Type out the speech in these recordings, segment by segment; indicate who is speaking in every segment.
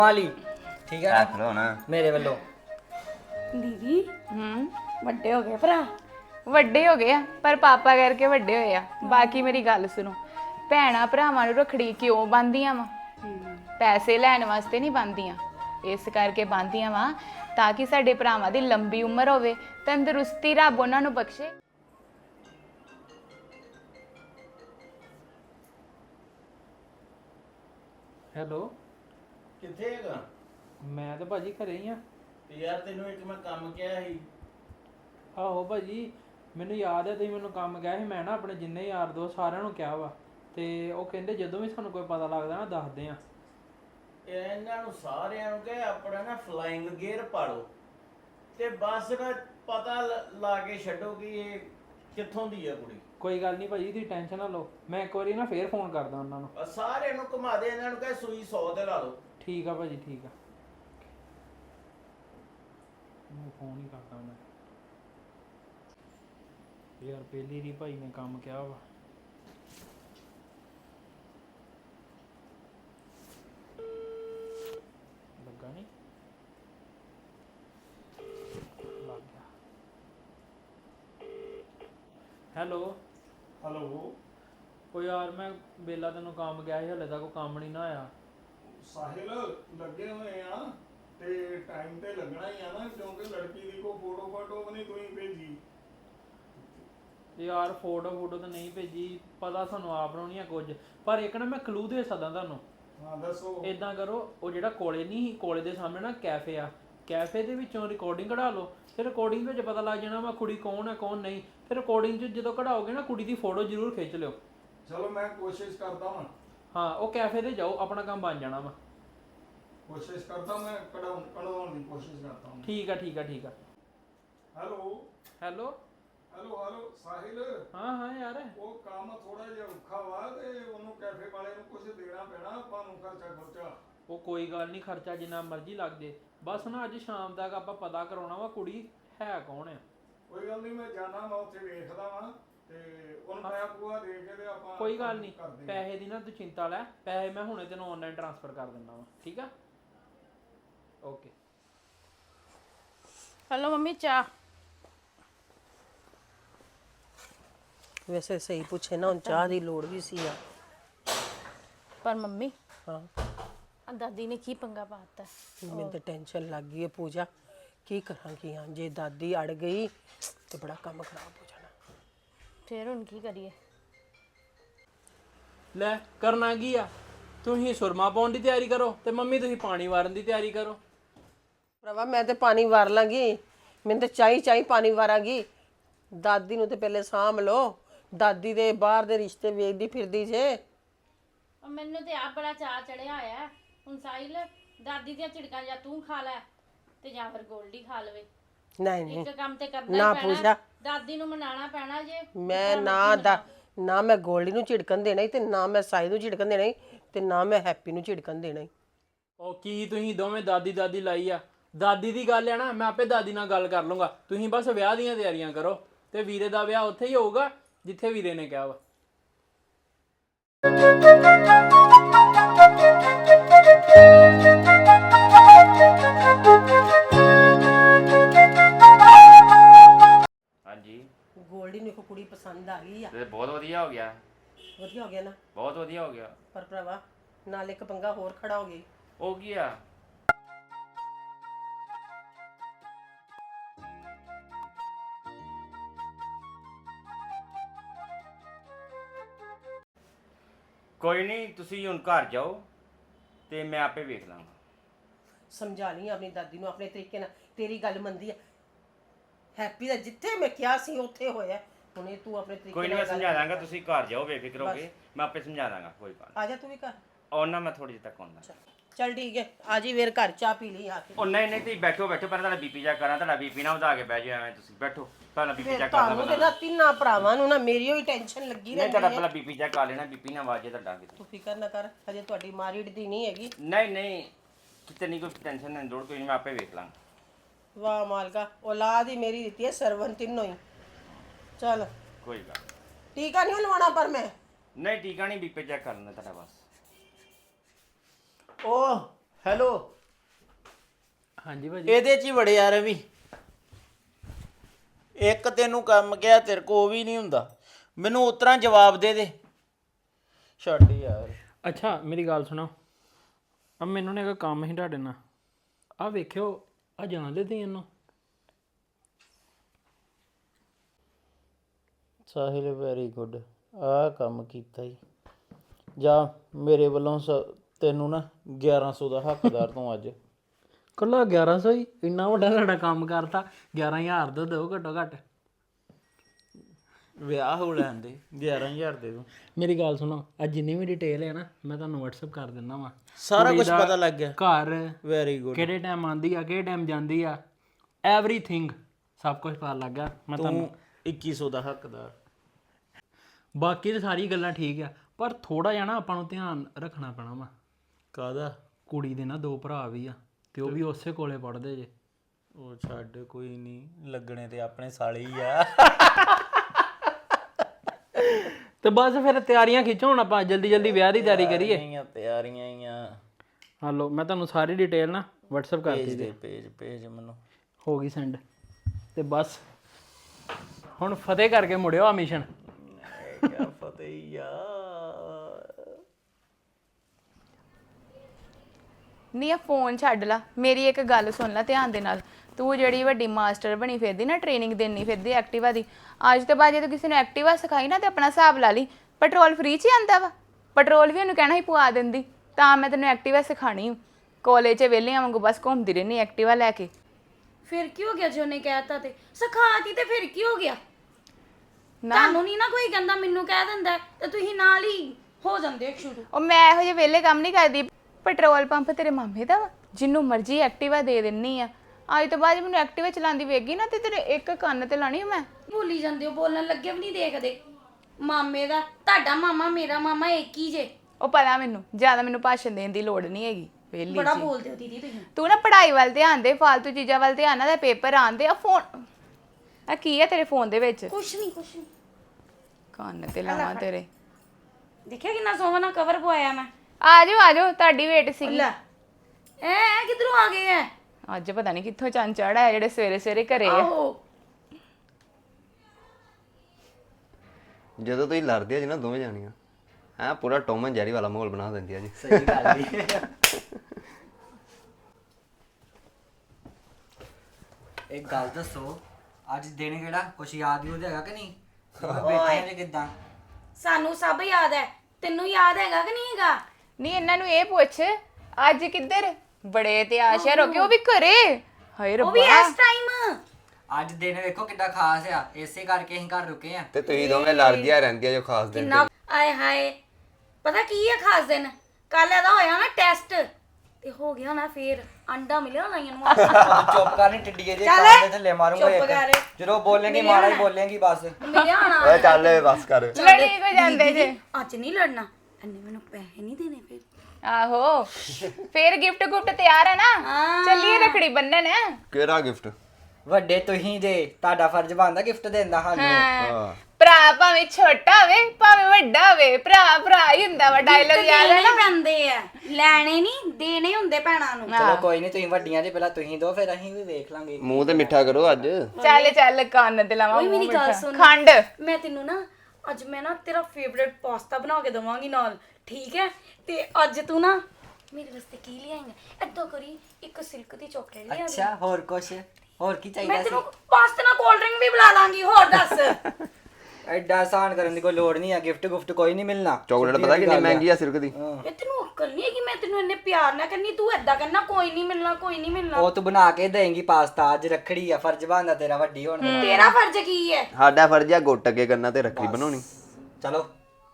Speaker 1: ਵਾਲੀ ਠੀਕ ਹੈ
Speaker 2: ਰੱਖ ਲਓ ਨਾ
Speaker 1: ਮੇਰੇ ਵੱਲੋਂ।
Speaker 3: ਦੀਦੀ ਵੱਡੇ ਹੋ ਗਏ ਭਰਾ।
Speaker 4: ਵੱਡੇ ਹੋ ਗਏ ਆ ਪਰ ਪਾਪਾ ਕਰਕੇ ਵੱਡੇ ਹੋਏ ਆ। ਬਾਕੀ ਮੇਰੀ ਗੱਲ ਸੁਣੋ, ਭੈਣਾਂ ਭਰਾਵਾਂ ਨੂੰ ਰੱਖੜੀ ਕਿਉਂ ਬੰਨ੍ਹਦੀਆਂ ਵਾ? ਪੈਸੇ ਲੈਣ ਵਾਸਤੇ ਨਹੀਂ ਬੰਨ੍ਹਦੀਆਂ, ਇਸ ਕਰਕੇ ਬੰਨ੍ਹਦੀਆਂ ਵਾ ਤਾਂ ਕਿ ਸਾਡੇ ਭਰਾਵਾਂ ਦੀ ਲੰਬੀ ਉਮਰ ਹੋਵੇ, ਤੰਦਰੁਸਤੀ ਰੱਬ ਉਹਨਾਂ ਨੂੰ ਬਖਸ਼ੇ।
Speaker 5: ਹੈਲੋ,
Speaker 6: ਕਿੱਥੇ ਹੈਗਾ?
Speaker 5: ਮੈਂ ਤਾਂ ਭਾਜੀ ਘਰੇ ਹੀ ਆ।
Speaker 6: ਤੇ ਯਾਰ ਤੈਨੂੰ ਇੱਕ ਮੈਂ ਕੰਮ ਕਿਹਾ ਸੀ।
Speaker 5: ਆਹੋ ਭਾਜੀ, ਮੈਨੂੰ ਯਾਦ ਹੈ ਤੁਸੀਂ ਮੈਨੂੰ ਕੰਮ ਕਿਹਾ ਸੀ। ਮੈਂ ਨਾ ਆਪਣੇ ਜਿੰਨੇ ਯਾਰ ਦੋਸਤ ਸਾਰਿਆਂ ਨੂੰ ਕਿਹਾ ਵਾ, ਤੇ ਉਹ ਕਹਿੰਦੇ ਜਦੋਂ ਵੀ ਸਾਨੂੰ ਕੋਈ ਪਤਾ ਲੱਗਦਾ ਨਾ ਦੱਸਦੇ ਆ।
Speaker 6: ਇਹਨਾਂ ਨੂੰ ਸਾਰਿਆਂ ਨੂੰ ਕਹੇ ਆਪਣਾ ਨਾ ਫਲਾਈਂਗ ਗੇਅਰ ਪਾੜੋ ਤੇ ਬਸ ਨਾ ਪਤਾ ਲਾ ਕੇ ਛੱਡੋ ਕਿ ਇਹ ਕਿੱਥੋਂ ਦੀ ਆ ਕੁੜੀ।
Speaker 5: ਕੋਈ ਗੱਲ ਨਹੀਂ ਭਾਜੀ, ਤੁਸੀਂ ਟੈਨਸ਼ਨ ਨਾ ਲਓ। ਮੈਂ ਇੱਕ ਵਾਰੀ ਨਾ ਫੇਰ ਫੋਨ ਕਰਦਾ ਉਹਨਾਂ ਨੂੰ।
Speaker 6: ਸਾਰਿਆਂ ਨੂੰ ਘੁਮਾ ਦੇ, ਇਹਨਾਂ ਨੂੰ ਕਹੇ ਸੂਈ 100 ਤੇ ਲਾ ਲਓ।
Speaker 5: ਠੀਕ ਆ ਭਾਜੀ, ਠੀਕ ਆ। ਮੈਂ ਫੋਨ ਹੀ ਕਰਦਾ ਉਹਨਾਂ ਨੂੰ। ਯਾਰ ਪਹਿਲੀ ਰੀ ਭਾਈ ਨੇ ਕੰਮ ਕਿਹਾ ਵਾ। ਲੱਗਾ ਨਹੀਂ, ਲੱਗ ਗਿਆ। ਹੈਲੋ
Speaker 6: ਹਲੋ
Speaker 5: ਉਹ ਯਾਰ ਮੈਂ ਬੇਲਾ ਤੈਨੂੰ ਕੰਮ ਗਿਆ ਸੀ, ਹਲੇ ਤੱਕ ਕੋਈ ਕੰਮ ਨਹੀਂ ਨਾ ਆਇਆ।
Speaker 6: ਸਾਹਿਲ, ਲੱਗੇ ਹੋਏ ਆ ਤੇ ਟਾਈਮ ਤੇ ਲੱਗਣਾ ਹੀ ਆ ਨਾ, ਕਿਉਂਕਿ ਲੜਕੀ ਦੀ ਕੋਈ ਫੋਟੋ ਵੀ ਨਹੀਂ ਤੁਸੀਂ ਭੇਜੀ।
Speaker 5: ਯਾਰ ਫੋਟੋ ਤਾਂ ਨਹੀਂ ਭੇਜੀ, ਪਤਾ ਸਾਨੂੰ ਆਪ ਨੂੰ ਨਹੀਂ ਆ ਕੁਝ, ਪਰ ਇੱਕ ਨਾ ਮੈਂ ਕਲੂ ਦੇ ਸਕਦਾ ਤੁਹਾਨੂੰ।
Speaker 6: ਹਾਂ ਦੱਸੋ।
Speaker 5: ਇਦਾਂ ਕਰੋ, ਉਹ ਜਿਹੜਾ ਕੋਲੇ ਨਹੀਂ, ਕੋਲੇ ਦੇ ਸਾਹਮਣੇ ਨਾ ਕੈਫੇ ਆ, ਕੈਫੇ ਦੇ ਵਿੱਚੋਂ ਰਿਕਾਰਡਿੰਗ ਕਢਾ ਲਓ। ਫਿਰ ਰਿਕਾਰਡਿੰਗ ਵਿੱਚ ਪਤਾ ਲੱਗ ਜਾਣਾ ਵਾ ਕੁੜੀ ਕੌਣ ਹੈ ਕੌਣ ਨਹੀਂ। ਫਿਰ ਰਿਕਾਰਡਿੰਗ 'ਚ ਜਦੋਂ ਕਢਾਓਗੇ ਨਾ ਕੁੜੀ ਦੀ ਫੋਟੋ ਜ਼ਰੂਰ ਖਿੱਚ ਲਿਓ।
Speaker 6: ਚਲੋ ਮੈਂ ਕੋਸ਼ਿਸ਼ ਕਰਦਾ ਹਾਂ।
Speaker 5: ਹਾਂ, ਉਹ ਕੈਫੇ ਤੇ ਜਾਓ, ਆਪਣਾ ਕੰਮ ਬਣ ਜਾਣਾ ਵਾ।
Speaker 6: ਕੋਸ਼ਿਸ਼ ਕਰਦਾ ਮੈਂ ਕਢਾਉਣ ਦੀ ਕੋਸ਼ਿਸ਼ ਕਰਦਾ ਹਾਂ।
Speaker 5: ਠੀਕ ਆ ਠੀਕ ਆ ਠੀਕ ਆ।
Speaker 6: Hello
Speaker 5: hello
Speaker 6: hello Sahil.
Speaker 5: ਹਾਂ ਹਾਂ ਯਾਰ,
Speaker 6: ਉਹ ਕੰਮ ਥੋੜਾ ਜਿਹਾ ਔਖਾ ਵਾ ਤੇ ਉਹਨੂੰ ਕੈਫੇ ਵਾਲੇ ਨੂੰ ਕੁਝ ਦੇਣਾ ਪੈਣਾ ਆਪਾਂ ਨੂੰ, ਖਰਚਾ।
Speaker 5: ਉਹ ਕੋਈ ਗੱਲ ਨਹੀਂ, ਖਰਚਾ ਜਿੰਨਾ ਮਰਜ਼ੀ ਲੱਗ ਜੇ, ਬਸ ਨਾ ਅੱਜ ਸ਼ਾਮ ਤੱਕ ਆਪਾਂ ਪਤਾ ਕਰਾਉਣਾ ਵਾ ਕੁੜੀ ਹੈ ਕੌਣ ਆ।
Speaker 6: ਕੋਈ ਗੱਲ ਨਹੀਂ, ਮੈਂ ਜਾਣਾ, ਮੈਂ ਉੱਥੇ ਵੇਖਦਾ ਵਾਂ ਤੇ ਉਹਨੂੰ ਮੈਂ ਪੂਆ ਦੇ ਕੇ ਤੇ ਆਪਾਂ
Speaker 5: ਕੋਈ ਗੱਲ ਨਹੀਂ, ਪੈਸੇ ਦੀ ਨਾ ਤੂੰ ਚਿੰਤਾ ਲੈ, ਪੈਸੇ ਮੈਂ ਹੁਣੇ ਤੈਨੂੰ ਆਨਲਾਈਨ ਟ੍ਰਾਂਸਫਰ ਕਰ ਦਿੰਦਾ ਵਾ। ਠੀਕ ਆ, ਓਕੇ।
Speaker 3: ਹਲੋ ਮੰਮੀ ਚਾਹ।
Speaker 7: ਵੈਸੇ ਸਹੀ ਪੁੱਛੇ ਨਾ, ਹੁਣ ਚਾਹ ਦੀ ਲੋੜ ਵੀ ਸੀ ਆ।
Speaker 3: ਪਰ ਮੰਮੀ
Speaker 7: ਹਾਂ,
Speaker 3: ਆ ਦਾਦੀ ਨੇ ਕੀ ਪੰਗਾ ਪਾਤਾ?
Speaker 7: ਮੈਨੂੰ ਤਾਂ ਟੈਨਸ਼ਨ ਲੱਗ ਗਈ ਹੈ ਪੂਜਾ, ਕੀ ਕਰਾਂਗੀ। ਹਾਂ, ਜੇ ਦਾਦੀ ਅੜ ਗਈ ਤੇ ਬੜਾ ਕੰਮ ਖਰਾਬ ਹੋ ਜਾਣਾ।
Speaker 3: ਫਿਰ ਹੁਣ ਕੀ ਕਰੀਏ?
Speaker 5: ਲੈ ਕਰਨਾ ਕੀ ਆ, ਤੁਸੀਂ ਸੁਰਮਾ ਪਾਉਣ ਦੀ ਤਿਆਰੀ ਕਰੋ ਤੇ ਮੰਮੀ ਤੁਸੀਂ ਪਾਣੀ ਵਾਰਨ ਦੀ ਤਿਆਰੀ ਕਰੋ।
Speaker 7: ਭਰਾਵਾ ਮੈਂ ਤੇ ਪਾਣੀ ਵਾਰ ਲਾਂਗੀ, ਮੈਨੂੰ ਤੇ ਚਾਈ ਪਾਣੀ ਵਾਰਾਂਗੀ। ਦਾਦੀ ਨੂੰ ਤੇ ਪਹਿਲੇ ਸਾਂਭ ਲਓ, ਦਾਦੀ ਦੇ ਬਾਹਰ ਦੇ ਰਿਸ਼ਤੇ ਵੇਖਦੀ ਫਿਰਦੀ ਜੇ।
Speaker 3: ਮੈਨੂੰ ਤੇ ਆਪ ਬੜਾ ਚਾਹ ਚੜਿਆ ਹੋਇਆ। ਹੁਣ ਸਾਹਿਲ, ਦਾਦੀ ਦੀਆਂ ਝਿੜਕਾਂ ਜਾਂ ਤੂੰ ਖਾ ਲੈ ਤੇ ਜਾਂ ਫਿਰ ਗੋਲਡੀ ਖਾ ਲਵੇ।
Speaker 7: ਨਹੀਂ
Speaker 3: ਇੱਕ ਕੰਮ ਤੇ ਕਰਨਾ
Speaker 7: ਨਾ
Speaker 3: ਹੀ ਪੈਣਾ,
Speaker 7: ਪੂਜਾ,
Speaker 3: ਦਾਦੀ ਨੂੰ ਮਨਾਣਾ ਪੈਣਾ ਜੇ।
Speaker 7: ਮੈਂ ਨਾ ਮੈਂ ਗੋਲਡੀ ਨੂੰ ਝਿੜਕਣ ਦੇਣਾ ਈ, ਤੇ ਨਾ ਮੈਂ ਸਾਈ ਨੂੰ ਝਿੜਕਣ ਦੇਣਾ ਈ, ਤੇ ਨਾ ਮੈਂ ਹੈਪੀ ਨੂੰ ਝਿੜਕਣ ਦੇਣਾ ਈ।
Speaker 5: ਉਹ ਕੀ ਤੁਸੀਂ ਦੋਵੇਂ ਦਾਦੀ ਦਾਦੀ ਲਾਈ ਆ? ਦਾਦੀ ਦੀ ਗੱਲ ਆ ਨਾ, ਮੈਂ ਆਪੇ ਦਾਦੀ ਨਾਲ ਗੱਲ ਕਰ ਲੂੰਗਾ। ਤੁਸੀਂ ਬਸ ਵਿਆਹ ਦੀਆਂ ਤਿਆਰੀਆਂ ਕਰੋ ਤੇ ਵੀਰੇ ਦਾ ਵਿਆਹ ਉੱਥੇ ਹੀ ਹੋਊਗਾ ਜਿੱਥੇ ਵੀਰੇ ਨੇ ਕਿਹਾ ਵਾ।
Speaker 2: ਹਾਂਜੀ,
Speaker 7: ਗੋਲਡੀ ਨੂੰ ਇੱਕ ਕੁੜੀ ਪਸੰਦ ਆ ਗਈ ਆ।
Speaker 2: ਤੇ ਬਹੁਤ ਵਧੀਆ ਹੋ ਗਿਆ।
Speaker 7: ਵਧੀਆ ਹੋ ਗਿਆ ਨਾ?
Speaker 2: ਬਹੁਤ ਵਧੀਆ ਹੋ ਗਿਆ।
Speaker 7: ਪਰ ਭਰਾਵਾ ਨਾਲ ਇੱਕ ਪੰਗਾ ਹੋਰ ਖੜਾ ਹੋ ਗਿਆ।
Speaker 2: ਉਹ ਕੀ ਆ? ਕੋਈ ਨਹੀਂ, ਤੁਸੀਂ ਹੁਣ ਘਰ ਜਾਓ ਤੇ ਮੈਂ ਆਪੇ ਵੇਖ ਲਾਂਗਾ।
Speaker 7: ਸਮਝਾ ਲਈ ਆਪਣੀ ਦਾਦੀ ਨੂੰ ਆਪਣੇ ਤਰੀਕੇ ਨਾਲ, ਤੇਰੀ ਗੱਲ ਮੰਨਦੀ ਆ। ਹੈਪੀ ਦਾ ਜਿੱਥੇ ਮੈਂ ਕਿਹਾ ਸੀ ਉੱਥੇ ਹੋਇਆ। ਹੁਣ ਇਹ ਤੂੰ ਆਪਣੇ ਤਰੀਕੇ
Speaker 2: ਕੋਈ ਨਹੀਂ,
Speaker 7: ਨਾਲ
Speaker 2: ਮੈਂ ਸਮਝਾ ਦਾਂਗਾ। ਤੁਸੀਂ ਘਰ ਜਾਓ, ਬੇਫਿਕਰ ਹੋ ਕੇ, ਮੈਂ ਆਪੇ ਸਮਝਾ ਦਾਂਗਾ। ਕੋਈ ਗੱਲ
Speaker 7: ਆ ਜਾ ਤੂੰ ਵੀ ਘਰ।
Speaker 2: ਆਉਣਾ ਮੈਂ ਥੋੜੀ ਜਿਹੀ ਤੱਕ ਆਉਂਦਾ।
Speaker 7: ਚੱਲ ਠੀਕ ਹੈ, ਆ ਜੀ ਵੇਰ ਘਰ ਚਾਹ ਪੀ ਲਈ ਆ ਕੇ।
Speaker 2: ਉਹ ਨਹੀਂ ਤੁਸੀਂ ਬੈਠੋ ਪਹਿਲਾਂ ਤੁਹਾਡਾ ਬੀਪੀ ਚੈੱਕ ਕਰਾਂ। ਤੁਹਾਡਾ ਬੀਪੀ ਨਾ ਵਧਾ ਕੇ ਬਹਿ ਜਾਓ ਐਵੇਂ। ਤੁਸੀਂ ਬੈਠੋ, ਪਹਿਲਾਂ ਬੀਪੀ ਚੈੱਕ ਕਰਦਾ
Speaker 7: ਤੁਹਾਨੂੰ ਤੇ ਨਾ ਤਿੰਨਾਂ ਭਰਾਵਾਂ ਨੂੰ ਨਾ ਮੇਰੀ ਹੋਈ ਟੈਨਸ਼ਨ ਲੱਗੀ
Speaker 2: ਨਹੀਂ,
Speaker 7: ਰਹਿੰਦੀ
Speaker 2: ਤੁਹਾਡਾ
Speaker 7: ਹੈ।
Speaker 2: ਪਹਿਲਾਂ ਬੀਪੀ ਚੈੱਕ ਕਰ ਲੈਣਾ, ਬੀਪੀ ਨਾ ਵਾਜੇ ਤੁਹਾਡਾ ਕਿਤੇ।
Speaker 7: ਤੂੰ ਫਿਕਰ ਨਾ ਕਰ, ਹਜੇ ਤੁਹਾਡੀ ਮਾਰੀ ਢੀ ਨਹੀਂ ਹੈਗੀ।
Speaker 2: ਨਹੀਂ ਕਿਤੇ ਨਹੀਂ, ਕੋਈ ਟੈਨਸ਼ਨ ਨਹੀਂ, ਲੋੜ ਕੋਈ ਨਹੀਂ, ਮੈਂ ਆਪੇ ਵੇਖ ਲਾਂਗਾ।
Speaker 7: ਵਾਹ ਮਾਲਕਾ, ਔਲਾਦ ਹੀ ਮੇਰੀ ਦਿੱਤੀ ਹੈ ਸਰਵਨ ਤਿੰਨੋਂ ਹੀ। ਚੱਲ
Speaker 2: ਕੋਈ ਗੱਲ
Speaker 7: ਟੀਕਾ ਨਹੀਂ ਲਵਾਉਣਾ ਪਰ ਮੈਂ।
Speaker 2: ਨਹੀਂ, ਟੀਕਾ ਨਹੀਂ, ਬੀਪੀ ਚੈੱਕ ਕਰ ਲੈਣਾ ਤੁਹਾਡਾ ਬਸ।
Speaker 6: ਉਹ ਹੈਲੋ
Speaker 5: ਹਾਂਜੀ ਭਾਜੀ।
Speaker 6: ਇਹਦੇ 'ਚ ਹੀ ਬੜੇ ਯਾਰ ਵੀ ਇੱਕ ਤੈਨੂੰ ਕੰਮ ਕਿਹਾ ਤੇਰੇ ਕੋ ਉਹ ਵੀ ਨਹੀਂ ਹੁੰਦਾ ਮੈਨੂੰ ਉਤਰਾ ਜਵਾਬ ਦੇ ਦੇ ਛੱਡ ਯਾਰ
Speaker 5: ਅੱਛਾ ਮੇਰੀ ਗੱਲ ਸੁਣੋ, ਆ ਮੈਨੂੰ ਨੇ ਇੱਕ ਕੰਮ ਸੀ ਤੁਹਾਡੇ ਨਾਲ। ਆ ਵੇਖਿਓ, ਆ ਜਾਣਦੇ ਤੇ ਇਹਨੂੰ।
Speaker 6: ਸਾਹਿਲ ਵੈਰੀ ਗੁੱਡ, ਆਹ ਕੰਮ ਕੀਤਾ ਹੀ ਜਾ ਮੇਰੇ ਵੱਲੋਂ ਤੈਨੂੰ ਨਾ 1100 ਦਾ ਹੱਕਦਾਰ ਤੂੰ ਅੱਜ।
Speaker 5: ਕੱਲਾ 1100 ਹੀ? ਇੰਨਾ ਵੱਡਾ ਤੁਹਾਡਾ ਕੰਮ ਕਰਤਾ। 11000 ਦਾ ਦਿਓ ਘੱਟੋ ਘੱਟ।
Speaker 6: ਵਿਆਹ ਹੋ ਲੈਣ ਦੇ 11000 ਦੇ ਦੂੰ।
Speaker 5: ਮੇਰੀ ਗੱਲ ਸੁਣੋ, ਆ ਜਿੰਨੀ ਵੀ ਡਿਟੇਲ ਹੈ ਨਾ ਮੈਂ ਤੁਹਾਨੂੰ WhatsApp ਕਰ ਦਿੰਦਾ ਵਾਂ।
Speaker 6: ਸਾਰਾ ਕੁਝ ਪਤਾ ਲੱਗ ਗਿਆ।
Speaker 5: ਘਰ
Speaker 6: ਵੈਰੀ ਗੁੱਡ।
Speaker 5: ਕਿਹੜੇ ਟਾਈਮ ਆਉਂਦੀ ਆ, ਕਿਹੜੇ ਟਾਈਮ ਜਾਂਦੀ ਆ, ਐਵਰੀਥਿੰਗ ਸਭ ਕੁਝ ਪਤਾ ਲੱਗ ਗਿਆ। ਮੈਂ ਤੁਹਾਨੂੰ
Speaker 6: 2100 ਦਾ ਹੱਕਦਾਰ।
Speaker 5: ਬਾਕੀ ਤਾਂ ਸਾਰੀ ਗੱਲਾਂ ਠੀਕ ਆ, ਪਰ ਥੋੜਾ ਜਿਹਾ ਨਾ ਆਪਾਂ ਨੂੰ ਧਿਆਨ ਰੱਖਣਾ ਪੈਣਾ ਵਾ।
Speaker 6: ਕਾਹਦਾ?
Speaker 5: ਕੁੜੀ ਦੇ ਨਾ 2 ਭਰਾ ਵੀ ਆ ਤੇ ਉਹ ਵੀ ਉਸੇ ਕੋਲੇ ਪੜ੍ਹਦੇ ਜੇ।
Speaker 6: ਉਹ ਛੱਡ, ਕੋਈ ਨਹੀਂ, ਲੱਗਣੇ ਤੇ ਆਪਣੇ ਸਾਲੇ ਹੀ ਆ।
Speaker 5: ਤੇ ਬਸ ਫਿਰ ਤਿਆਰੀਆਂ ਖਿੱਚੋ ਹੁਣ, ਆਪਾਂ ਜਲਦੀ ਜਲਦੀ ਵਿਆਹ ਦੀ ਤਿਆਰੀ ਕਰੀਏ।
Speaker 6: ਤਿਆਰੀਆਂ ਹੀ ਆ।
Speaker 5: ਹਲੋ, ਮੈਂ ਤੁਹਾਨੂੰ ਸਾਰੀ ਡਿਟੇਲ ਨਾ WhatsApp ਕਰ ਦਿੱਤੀ ਜੇ।
Speaker 6: ਭੇਜ ਮੈਨੂੰ।
Speaker 5: ਹੋ ਗਈ ਸੈਂਡ। ਤੇ ਬਸ ਹੁਣ ਫਤਿਹ ਕਰਕੇ ਮੁੜਿਓ ਆ ਮਿਸ਼ਨ।
Speaker 6: ਕਿਆ ਫਤਿਹ ਯਾਰ।
Speaker 4: ਨਹੀਂ ਆ ਫੋਨ ਛੱਡ ਲਾ, ਮੇਰੀ ਇੱਕ ਗੱਲ ਸੁਣ ਲੈ ਧਿਆਨ ਦੇ ਨਾਲ। ਤੂੰ ਜਿਹੜੀ ਵੱਡੀ ਮਾਸਟਰ ਬਣੀ ਫਿਰਦੀ ਨਾ, ਟ੍ਰੇਨਿੰਗ ਦੇਣੀ ਫਿਰਦੀ ਐਕਟਿਵਾ ਦੀ, ਅੱਜ ਤੋਂ ਬਾਅਦ ਜੇ ਤੂੰ ਕਿਸੇ ਨੂੰ ਐਕਟਿਵਾ ਸਿਖਾਈ ਨਾ ਤੇ ਆਪਣਾ ਹਿਸਾਬ ਲਾ ਲਈ। ਪੈਟਰੋਲ ਫ੍ਰੀ 'ਚ ਹੀ ਆਂਦਾ ਵਾ, ਪੈਟਰੋਲ ਵੀ ਉਹਨੂੰ ਕਹਿਣਾ ਹੀ ਪਵਾ ਦਿੰਦੀ। ਤਾਂ ਮੈਂ ਤੈਨੂੰ ਐਕਟਿਵਾ ਸਿਖਾਣੀ। ਕਾਲਜ 'ਚ ਵਿਹਲਿਆਂ ਵਾਂਗੂ ਬਸ ਘੁੰਮਦੀ ਰਹਿੰਦੀ ਐਕਟਿਵਾ ਲੈ ਕੇ।
Speaker 3: ਫਿਰ ਕੀ ਹੋ ਗਿਆ ਜੇ ਉਹਨੇ ਕਹਿਤਾ ਤੇ ਸਿਖਾਤੀ ਤੇ ਫਿਰ ਕੀ ਹੋ ਗਿਆ?
Speaker 4: ਨਾ
Speaker 3: ਤੁਹਾਨੂੰ ਨਹੀਂ ਨਾ ਕੋਈ ਕਹਿੰਦਾ, ਮੈਨੂੰ ਕਹਿ ਦਿੰਦਾ ਤੇ ਤੁਸੀਂ ਨਾਲ ਹੀ ਹੋ ਜਾਂਦੇ ਹੋ ਸ਼ੁਰੂ।
Speaker 4: ਉਹ ਮੈਂ ਇਹੋ ਜਿਹੇ ਵਿਹਲੇ ਕੰਮ ਨਹੀਂ ਕਰਦੀ। ਪੈਟਰੋਲ ਪੰਪ ਤੇਰੇ ਮਾਮੇ ਦਾ ਵਾ, ਜਿੰਨੂੰ ਮਰਜ਼ੀ ਐਕਟਿਵਾ ਦੇ ਦਿੰਨੀ ਆ। ਅੱਜ ਤੋਂ ਬਾਅਦ ਮੈਨੂੰ ਐਕਟਿਵਾ ਚਲਾਉਂਦੀ ਵੇਖੀ ਨਾ ਤੇ ਤੇਰੇ ਇੱਕ ਕੰਨ ਤੇ ਲਾਣੀ ਮੈਂ।
Speaker 3: ਭੁੱਲੀ ਜਾਂਦੇ ਹੋ, ਬੋਲਣ ਲੱਗੇ ਵੀ ਨਹੀਂ ਦੇਖਦੇ। ਮਾਮੇ ਦਾ, ਤੁਹਾਡਾ ਮਾਮਾ ਮੇਰਾ ਮਾਮਾ ਇੱਕ ਹੀ ਜੇ।
Speaker 4: ਉਹ ਪਤਾ ਮੈਨੂੰ, ਜ਼ਿਆਦਾ ਮੈਨੂੰ ਭਾਸ਼ਣ ਦੇਣ ਦੀ ਲੋੜ ਨਹੀਂ ਹੈਗੀ। ਵਿਹਲੀ
Speaker 3: ਬੜਾ
Speaker 4: ਜੀ
Speaker 3: ਬੋਲਦੇ ਹੋ ਦੀਦੀ ਤੁਸੀਂ।
Speaker 4: ਤੂੰ ਨਾ ਪੜ੍ਹਾਈ ਵੱਲ ਧਿਆਨ ਦੇ, ਫਾਲਤੂ ਚੀਜ਼ਾਂ ਵੱਲ ਧਿਆਨ ਨਾ ਦੇ। ਪੇਪਰ ਆਂਦੇ ਆ, ਫੋਨ ਆ ਕੀ ਆ ਤੇਰੇ ਫੋਨ ਦੇ ਵਿੱਚ?
Speaker 3: ਕੁਛ ਨਹੀਂ।
Speaker 4: ਕੰਨ ਤੇ ਲਾਵਾਂ ਤੇਰੇ।
Speaker 3: ਦੇਖਿਆ ਕਿੰਨਾ ਸੋਹਣਾ ਕਵਰ ਪਵਾਇਆ ਮੈਂ।
Speaker 4: ਆ ਜਾਓ ਤੁਹਾਡੀ ਵੇਟ ਸੀਗੀ।
Speaker 3: ਲੈ ਐ ਕਿੱਧਰੋਂ ਆ ਗਏ ਐ?
Speaker 4: ਅੱਜ ਪਤਾ ਨਹੀਂ ਕਿੱਥੋਂ ਚੰਨ ਚੜ੍ਹਾ ਹੈ ਜਿਹੜੇ ਸਵੇਰੇ ਸਵੇਰੇ ਘਰੇ ਆ।
Speaker 3: ਆਹੋ
Speaker 1: ਜਦੋਂ ਤੁਸੀਂ ਲੜਦੇ ਆ ਜੀ ਨਾ ਦੋਵੇਂ ਜਾਣੀਆਂ, ਹੈ ਪੂਰਾ ਟੌਮ ਐਂਡ ਜੈਰੀ ਵਾਲਾ ਮਾਹੌਲ ਬਣਾ ਦਿੰਦੀ ਆ ਜੀ।
Speaker 8: ਸਹੀ ਗੱਲ ਜੀ। ਇੱਕ ਗੱਲ ਦੱਸੋ, ਅੱਜ ਦਿਨ ਕਿਹੜਾ ਕੁਛ ਯਾਦ ਯੂਦ ਹੈਗਾ ਕਿ ਨਹੀਂ? ਬੈਠੇ ਜੇ ਕਿਦਾਂ?
Speaker 3: ਸਾਨੂੰ ਸਭ ਯਾਦ ਹੈ, ਤੈਨੂੰ ਯਾਦ ਹੈਗਾ ਕਿ ਨਹੀਂ ਹੈਗਾ?
Speaker 4: ਨਹੀਂ ਇਹਨਾਂ ਨੂੰ ਇਹ ਪੁੱਛ ਅੱਜ ਕਿੱਧਰ ਬੜੇ ਤੇ ਆਸ਼ਾ ਰੋ ਕੇ ਉਹ ਵੀ ਘਰੇ। ਹਾਏ
Speaker 3: ਉਹ ਵੀ
Speaker 4: ਰੱਬਾ,
Speaker 3: ਇਸ ਟਾਈਮ।
Speaker 8: ਅੱਜ ਦਿਨ ਵੇਖੋ ਕਿੱਡਾ ਖਾਸ ਆ, ਇਸੇ ਕਰਕੇ ਅਸੀਂ ਘਰ ਰੁਕੇ ਆ।
Speaker 1: ਤੇ ਤੁਸੀਂ ਦੋਵੇਂ ਲੜਦੀਆਂ ਰਹਿੰਦੀਆਂ ਜੋ ਖਾਸ ਦਿਨ
Speaker 3: ਕਿੰਨਾ ਆਏ ਹਾਏ। ਪਤਾ ਕੀ ਹੈ ਖਾਸ ਦਿਨ? ਕੱਲ ਇਹਦਾ ਹੋਇਆ ਨਾ ਟੈਸਟ ਤੇ ਹੋ ਗਿਆ ਨਾ, ਫੇਰ ਅੰਡਾ ਮਿਲਿਆ ਨਾ ਇਹਨੂੰ।
Speaker 8: ਚੁੱਪ ਕਰ, ਨਹੀਂ ਟਿੱਡੀਏ ਜੇ ਕੰਨ ਦੇ ਥੱਲੇ ਮਾਰੂੰਗਾ
Speaker 3: ਚੁੱਪ
Speaker 8: ਇੱਕ।
Speaker 3: ਕਰ।
Speaker 8: ਜਦੋਂ ਬੋਲੇਂਗੀ ਮਾਰਾ ਹੀ ਬੋਲੇਂਗੀ ਬਸ।
Speaker 3: ਮਿਲਿਆ ਹੋਣਾ।
Speaker 1: ਓਏ ਚੱਲ ਬਸ ਕਰ।
Speaker 4: ਲੜੀ ਕੋ ਜਾਂਦੇ ਜੇ।
Speaker 3: ਅੱਜ ਨਹੀਂ ਲੜਨਾ, ਇਹਨੇ ਮੈਨੂੰ ਪੈਸੇ ਨਹੀਂ ਦੇਣੇ ਫਿਰ।
Speaker 4: ਆਹੋ ਫੇਰ ਗਿਫਟ ਗੁਫਟ ਤਿਆਰ ਹੈ ਨਾ? ਚੱਲੀਏ ਰੱਖੜੀ ਬੰਨਣ।
Speaker 1: ਕਿਹੜਾ ਗਿਫਟ?
Speaker 8: ਵੱਡੇ ਤੁਸੀਂ ਜੇ, ਤੁਹਾਡਾ ਫਰਜ਼ ਬਣਦਾ ਗਿਫਟ ਦੇਣਾ ਸਾਨੂੰ।
Speaker 1: ਹਾਂ
Speaker 4: ਭਰਾ ਭਾਵੇਂ ਛੋਟਾ ਹੋਵੇ ਭਾਵੇਂ ਵੱਡਾ ਹੋਵੇ, ਭਰਾ ਭਰਾ ਹੀ ਹੁੰਦਾ ਵਾ। ਡਾਇਲੌਗ ਯਾਦ ਹੈ ਨਾ?
Speaker 3: ਪੈਂਦੇ ਆ, ਲੈਣੇ ਨਹੀਂ ਦੇਣੇ ਹੁੰਦੇ ਭੈਣਾਂ ਨੂੰ।
Speaker 8: ਚਲੋ ਕੋਈ ਨਹੀਂ, ਤੁਸੀਂ ਵੱਡੀਆਂ ਜੇ, ਪਹਿਲਾਂ ਤੁਸੀਂ ਦੋ ਫਿਰ ਅਸੀਂ ਵੀ ਵੇਖ ਲਾਂਗੇ।
Speaker 1: ਮੂੰਹ ਤੇ ਮਿੱਠਾ ਕਰੋ ਅੱਜ।
Speaker 4: ਚੱਲ ਕੰਨ ਤੇ ਲਾਵਾਂ
Speaker 3: ਓਏ ਮੇਰੀ
Speaker 4: ਮੂੰਹ
Speaker 3: ਗੱਲ
Speaker 4: ਮਿੱਠਾ।
Speaker 3: ਸੁਣ।
Speaker 4: ਖੰਡ
Speaker 3: ਮੈਂ ਤੈਨੂੰ ਨਾ ਅੱਜ ਮੈਂ ਨਾ ਤੇਰਾ ਫੇਵਰੇਟ ਪਾਸਤਾ ਬਣਾ ਕੇ ਦਵਾਂਗੀ ਨਾਲ, ਠੀਕ ਹੈ? ਤੇ ਅੱਜ ਤੂੰ ਨਾ ਮੇਰੇ ਵਾਸਤੇ ਕੀ ਲਿਆਏਂਗਾ? ਏਦਾਂ ਕਰੀ, ਇੱਕ ਸਿਲਕ ਦੀ ਚਾਕਲੇਟ ਲਿਆ ਦੇ।
Speaker 8: ਅੱਛਾ, ਹੋਰ ਕੁਛ? ਹੋਰ ਕੀ ਚਾਹੀਦਾ
Speaker 3: ਮੈਂ
Speaker 8: ਸੀ?
Speaker 3: ਤੈਨੂੰ ਪਾਸਤੇ ਨਾਲ ਕੋਲਡ ਡਰਿੰਕ ਵੀ ਬੁਲਾ ਲਾਂਗੀ। ਹੋਰ ਦੱਸ।
Speaker 8: ਐਡਾ ਆਸਾਨ ਕਰਨ ਦੀ ਕੋਈ ਲੋੜ ਨਹੀਂ ਆ। ਗਿਫਟ ਗੁਫਟ ਕੋਈ ਨਹੀਂ ਮਿਲਣਾ।
Speaker 1: ਚਾਕਲੇਟ ਪਤਾ ਕਿੰਨੀ ਮਹਿੰਗੀ ਆ ਸਿਰਕ ਦੀ?
Speaker 3: ਇਹ ਤੈਨੂੰ ਅਕਲ ਨਹੀਂ ਹੈਗੀ? ਮੈਂ ਤੈਨੂੰ ਇੰਨੇ ਪਿਆਰ ਨਾਲ ਕਹਿੰਦੀ, ਤੂੰ ਏਦਾਂ ਕਹਿੰਦਾ ਕੋਈ ਨਹੀਂ ਮਿਲਣਾ, ਕੋਈ ਨਹੀਂ ਮਿਲਣਾ।
Speaker 8: ਉਹ ਤੂੰ ਬਣਾ ਕੇ ਦੇਂਗੀ ਪਾਸਤਾ। ਅੱਜ ਰੱਖੜੀ ਆ, ਫਰਜ਼ ਬਣਦਾ ਤੇਰਾ ਵੱਡੀ ਹੋਣ ਦਾ।
Speaker 3: ਤੇਰਾ ਫਰਜ਼ ਕੀ ਹੈ?
Speaker 1: ਸਾਡਾ ਫਰਜ਼ ਆ ਗੁੱਟ ਕੇ ਕਰਨਾ ਤੇ ਰੱਖੜੀ ਬਣਾਉਣੀ।
Speaker 8: ਚਲੋ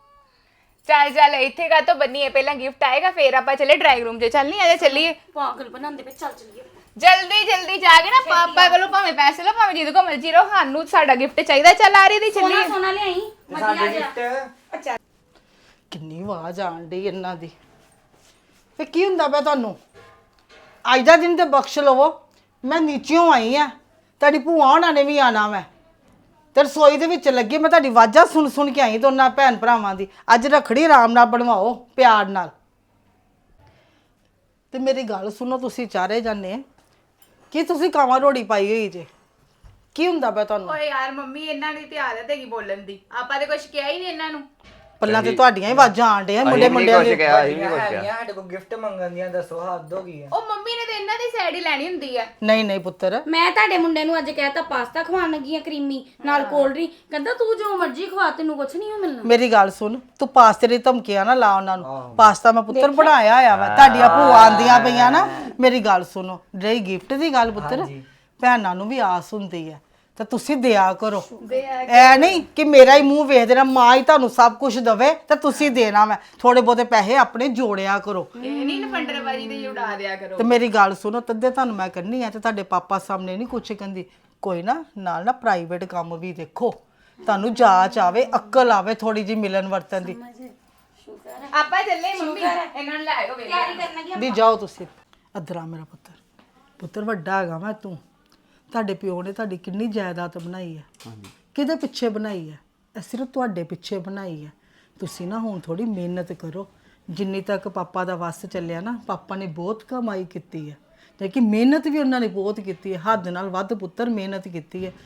Speaker 4: ਚੱਲ ਇੱਥੇ ਕਾ ਤੋਂ ਬੰਨੀਏ, ਪਹਿਲਾਂ ਗਿਫਟ ਆਏਗਾ ਫੇਰ ਆਪਾਂ ਚੱਲੇ ਡਰਾਇੰਗ ਰੂਮ 'ਚ। ਚੱਲ ਨਹੀਂ ਆਜਾ ਚੱਲੀਏ
Speaker 3: ਪਾਗਲ ਬਣਾਉਂਦੇ ਪਏ। ਚੱਲ ਚੱਲੀਏ।
Speaker 4: ਜਲਦੀ ਜਾ ਕੇ ਨਾ ਪਾਪਾ ਕੋਲੋਂ ਭਾਵੇਂ ਪੈਸੇ ਲਓ ਭਾਵੇਂ ਜਿਹਦੇ ਕੋਲ ਮਰਜ਼ੀ ਰਹੋ, ਸਾਨੂੰ ਸਾਡਾ ਗਿਫਟ ਚਾਹੀਦਾ। ਚੱਲ ਆ ਰਹੀ ਦੀ ਚੱਲੀਏ।
Speaker 3: ਸੋਨਾ ਲਿਆਈ ਵਧੀਆ ਜਿਹਾ।
Speaker 8: ਗਿਫਟ
Speaker 7: ਕਿੰਨੀ ਆਵਾਜ਼ ਆਣ ਡਈ ਇਹਨਾਂ ਦੀ। ਫੇ ਕੀ ਹੁੰਦਾ ਪਿਆ ਤੁਹਾਨੂੰ? ਅੱਜ ਦਾ ਦਿਨ ਤੇ ਬਖਸ਼ ਲਵੋ। ਮੈਂ ਨੀਚਿਓਂ ਆਈ ਆ, ਤੁਹਾਡੀ ਭੂਆ ਹੋਣਾ ਨੇ ਵੀ ਆਣਾ। ਮੈਂ ਤੇ ਰਸੋਈ ਦੇ ਵਿੱਚ ਲੱਗੀ, ਮੈਂ ਤੁਹਾਡੀ ਆਵਾਜ਼ਾਂ ਸੁਣ ਕੇ ਆਈ ਦੋਨਾਂ ਭੈਣ ਭਰਾਵਾਂ ਦੀ। ਅੱਜ ਰੱਖੜੀ ਆਰਾਮ ਨਾਲ ਬਣਵਾਓ, ਪਿਆਰ ਨਾਲ। ਤੇ ਮੇਰੀ ਗੱਲ ਸੁਣੋ, ਤੁਸੀਂ ਚਾਰੇ ਜਾਨੇ ਕੀ ਤੁਸੀਂ ਕਾਵਾਂ ਰੋੜੀ ਪਾਈ ਹੋਈ ਜੇ? ਕੀ ਹੁੰਦਾ ਪਿਆ ਤੁਹਾਨੂੰ?
Speaker 4: ਓਏ ਯਾਰ ਮੰਮੀ ਇਹਨਾਂ ਦੀ ਤੇ ਆਦਤ ਹੈਗੀ ਬੋਲਣ ਦੀ, ਆਪਾਂ ਤੇ ਕੁਝ ਕਿਹਾ ਹੀ ਨਹੀਂ ਇਹਨਾਂ ਨੂੰ।
Speaker 7: ਪੱਲਾਂ ਤੇ ਤੁਹਾਡੀਆਂ ਹੀ ਆਵਾਜ਼ਾਂ ਆਣ ਡਈਆਂ ਮੁੰਡੇ
Speaker 1: ਅਸੀਂ ਵੀ
Speaker 7: ਮੁੰਡਿਆਂ
Speaker 1: ਕੁਛ
Speaker 7: ਦੇ।
Speaker 1: ਕਿਹਾ, ਅਸੀਂ ਵੀ ਕੁਛ ਕਿਹਾ।
Speaker 8: ਹੈਗੀਆਂ ਸਾਡੇ ਕੋਲ ਗਿਫਟ ਮੰਗਣ ਦੀਆਂ, ਦੱਸੋ ਹੱਦ ਹੋ ਗਈ ਹੈ।
Speaker 4: ਉਹ ਮੰਮੀ ਨੇ ਤੇ ਇਹਨਾਂ ਦੀ ਸਾਈਡ ਹੀ ਲੈਣੀ ਹੁੰਦੀ ਆ।
Speaker 7: ਨਹੀਂ ਨਹੀਂ ਪੁੱਤਰ,
Speaker 3: ਮੈਂ ਤੁਹਾਡੇ ਮੁੰਡੇ ਨੂੰ ਅੱਜ ਕਹਿਤਾ ਪਾਸਤਾ ਖਵਾਉਣ ਲੱਗੀ ਆ ਕਰੀਮੀ ਨਾਲ ਕੋਲਡ ਡਰਿੰਕ, ਕਹਿੰਦਾ ਤੂੰ ਜੋ ਮਰਜ਼ੀ ਖਵਾ ਤੈਨੂੰ ਕੁਛ ਨਹੀਂ ਹੋ ਮਿਲਣਾ।
Speaker 7: ਮੇਰੀ ਗੱਲ ਸੁਣ, ਤੂੰ ਪਾਸਤੇ ਦੀ ਧਮਕੀਆਂ ਨਾ ਲਾ ਉਹਨਾਂ ਨੂੰ। ਪਾਸਤਾ ਮੈਂ ਪੁੱਤਰ ਬਣਾਇਆ ਹੋਇਆ ਵਾ, ਤੁਹਾਡੀਆਂ ਭੂਆ ਆਂਦੀਆਂ ਪਈਆਂ ਨਾ। ਮੇਰੀ ਗੱਲ ਸੁਣੋ, ਰਹੀ ਗਿਫਟ ਦੀ ਗੱਲ ਪੁੱਤਰ, ਭੈਣਾਂ ਨੂੰ ਵੀ ਆਸ ਹੁੰਦੀ ਹੈ ਤੇ ਤੁਸੀਂ ਦਿਆ ਕਰੋ। ਐ ਨਹੀਂ ਕਿ ਮੇਰਾ ਹੀ ਮੂੰਹ ਵੇਖ ਦੇਣਾ, ਮਾਂ ਹੀ ਤੁਹਾਨੂੰ ਸਭ ਕੁਝ ਦਵੇ ਤੇ ਤੁਸੀਂ ਦੇਣਾ। ਮੈਂ ਥੋੜੇ ਬਹੁਤੇ ਪੈਸੇ ਆਪਣੇ ਜੋੜਿਆ ਕਰੋ
Speaker 4: ਇਹ ਨਹੀਂ ਨਫੰਡਰਬਾਜੀ ਤੇ ਉਡਾ ਦਿਆ ਕਰੋ।
Speaker 7: ਤੇ ਮੇਰੀ ਗੱਲ ਸੁਣੋ, ਤੱਦੇ ਤੁਹਾਨੂੰ ਮੈਂ ਕਰਨੀ ਆ ਤੇ ਤੁਹਾਡੇ ਪਾਪਾ ਸਾਹਮਣੇ ਨਹੀਂ ਕੁਛ ਕਹਿੰਦੀ। ਕੋਈ ਨਾ ਨਾਲ ਨਾ ਪ੍ਰਾਈਵੇਟ ਕੰਮ ਵੀ ਦੇਖੋ, ਤੁਹਾਨੂੰ ਜਾਚ ਆਵੇ, ਅਕਲ ਆਵੇ ਥੋੜੀ ਜੀ ਮਿਲਣ ਵਰਤਨ ਦੀ।
Speaker 4: ਆਪਾਂ ਚੱਲੇ ਮੰਮੀ, ਇਹਨਾਂ ਨੂੰ ਲੈ ਆਇਓ ਵੇਲੇ।
Speaker 3: ਤਿਆਰੀ ਕਰਨਾ
Speaker 7: ਦੀ ਜਾਓ ਤੁਸੀਂ। ਅਦਰਾ ਮੇਰਾ ਪੁੱਤਰ, ਪੁੱਤਰ ਵੱਡਾ ਹੈਗਾ ਮੈਂ ਤੂੰ। ਤੁਹਾਡੇ ਪਿਓ ਨੇ ਤੁਹਾਡੀ ਕਿੰਨੀ ਜਾਇਦਾਦ ਬਣਾਈ ਹੈ, ਕਿਹਦੇ ਪਿੱਛੇ ਬਣਾਈ ਹੈ? ਇਹ ਸਿਰਫ ਤੁਹਾਡੇ ਪਿੱਛੇ ਬਣਾਈ ਹੈ। ਤੁਸੀਂ ਨਾ ਹੁਣ ਥੋੜੀ ਮਿਹਨਤ ਕਰੋ। ਜਿੰਨੀ ਤੱਕ ਪਾਪਾ ਦਾ ਵੱਸ ਚੱਲਿਆ ਨਾ, ਪਾਪਾ ਨੇ ਬਹੁਤ ਕਮਾਈ ਕੀਤੀ ਹੈ, ਲੇਕਿਨ ਮਿਹਨਤ ਵੀ ਉਹਨਾਂ ਨੇ ਬਹੁਤ ਕੀਤੀ ਹੈ, ਹੱਦ ਨਾਲ ਵੱਧ ਪੁੱਤਰ ਮਿਹਨਤ ਕੀਤੀ ਹੈ।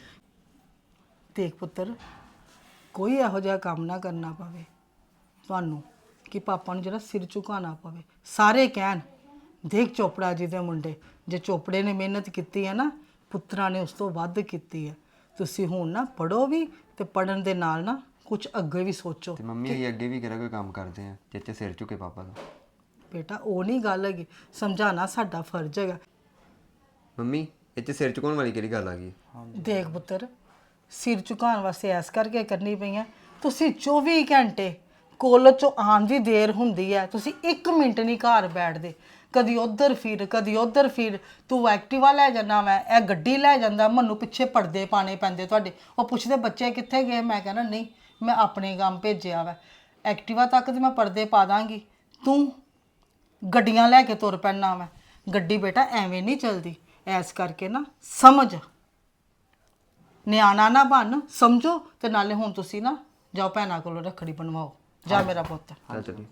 Speaker 7: ਦੇਖ ਪੁੱਤਰ, ਕੋਈ ਇਹੋ ਜਿਹਾ ਕੰਮ ਨਾ ਕਰਨਾ ਪਵੇ ਤੁਹਾਨੂੰ ਕਿ ਪਾਪਾ ਨੂੰ ਜਿਹੜਾ ਸਿਰ ਝੁਕਾਉਣਾ ਪਵੇ। ਸਾਰੇ ਕਹਿਣ ਦੇਖ ਚੋਪੜਾ ਜੀ ਦੇ ਮੁੰਡੇ, ਜੇ ਚੋਪੜੇ ਨੇ ਮਿਹਨਤ ਕੀਤੀ ਹੈ ਨਾ, ਪੁੱਤਰਾਂ ਨੇ ਉਸ ਤੋਂ ਵੱਧ ਕੀਤੀ ਹੈ। ਤੁਸੀਂ ਹੁਣ ਨਾ ਪੜੋ ਵੀ ਤੇ ਪੜਨ ਦੇ ਨਾਲ ਨਾ ਕੁਝ ਅੱਗੇ ਵੀ ਸੋਚੋ।
Speaker 1: ਤੇ ਮੰਮੀ ਅਸੀਂ ਅੱਗੇ ਵੀ ਕਿਹੜਾ ਕੋਈ ਕੰਮ ਕਰਦੇ ਆ ਜਿੱਥੇ ਸਿਰ ਝੁਕੇ ਪਾਪਾ ਦਾ?
Speaker 7: ਬੇਟਾ ਉਹ ਨਹੀਂ ਗੱਲ ਹੈਗੀ, ਸਮਝਾਣਾ ਸਾਡਾ ਫਰਜ਼ ਹੈਗਾ।
Speaker 1: ਮੰਮੀ ਇਹ 'ਚ ਸਿਰ ਝੁਕਾਉਣ ਵਾਲੀ ਕਿਹੜੀ ਗੱਲ ਆ ਗਈ?
Speaker 7: ਦੇਖ ਪੁੱਤਰ, ਸਿਰ ਝੁਕਾਉਣ ਵਾਸਤੇ ਐਸ ਕਰਕੇ ਕਰਨੀ ਪਈਆਂ। ਤੁਸੀਂ 24 ਘੰਟੇ ਕਾਲਜ ਚੋਂ ਆਉਣ ਦੀ ਦੇਰ ਹੁੰਦੀ ਹੈ, ਤੁਸੀਂ 1 ਮਿੰਟ ਨਹੀਂ ਘਰ ਬੈਠਦੇ। ਕਦੀ ਉਧਰ ਫਿਰ, ਕਦੀ ਉਧਰ ਫਿਰ। ਤੂੰ ਐਕਟਿਵਾ ਲੈ ਜਾਣਾ, ਮੈਂ ਇਹ ਗੱਡੀ ਲੈ ਜਾਂਦਾ, ਮੈਨੂੰ ਪਿੱਛੇ ਪਰਦੇ ਪਾਣੇ ਪੈਂਦੇ ਤੁਹਾਡੇ। ਉਹ ਪੁੱਛਦੇ ਬੱਚੇ ਕਿੱਥੇ ਗਏ, ਮੈਂ ਕਹਿੰਦਾ ਨਹੀਂ ਮੈਂ ਆਪਣੇ ਕੰਮ ਭੇਜਿਆ ਵਾ। ਐਕਟਿਵਾ ਤੱਕ ਤੇ ਮੈਂ ਪਰਦੇ ਪਾ ਦਾਂਗੀ, ਤੂੰ ਗੱਡੀਆਂ ਲੈ ਕੇ ਤੁਰ ਪੈਣਾ ਵਾ। ਗੱਡੀ ਬੇਟਾ ਐਵੇਂ ਨਹੀਂ ਚੱਲਦੀ। ਐਸ ਕਰਕੇ ਨਾ ਸਮਝ, ਨਿਆਣਾ ਨਾ ਬਣ, ਸਮਝੋ। ਤੇ ਨਾਲੇ ਹੁਣ ਤੁਸੀਂ ਨਾ ਜਾਓ ਭੈਣਾਂ ਕੋਲੋਂ ਰੱਖੜੀ ਬਣਵਾਓ। ਜਾ ਮੇਰਾ ਪੁੱਤ।
Speaker 1: ਚੱਲ ਚੱਲੀ।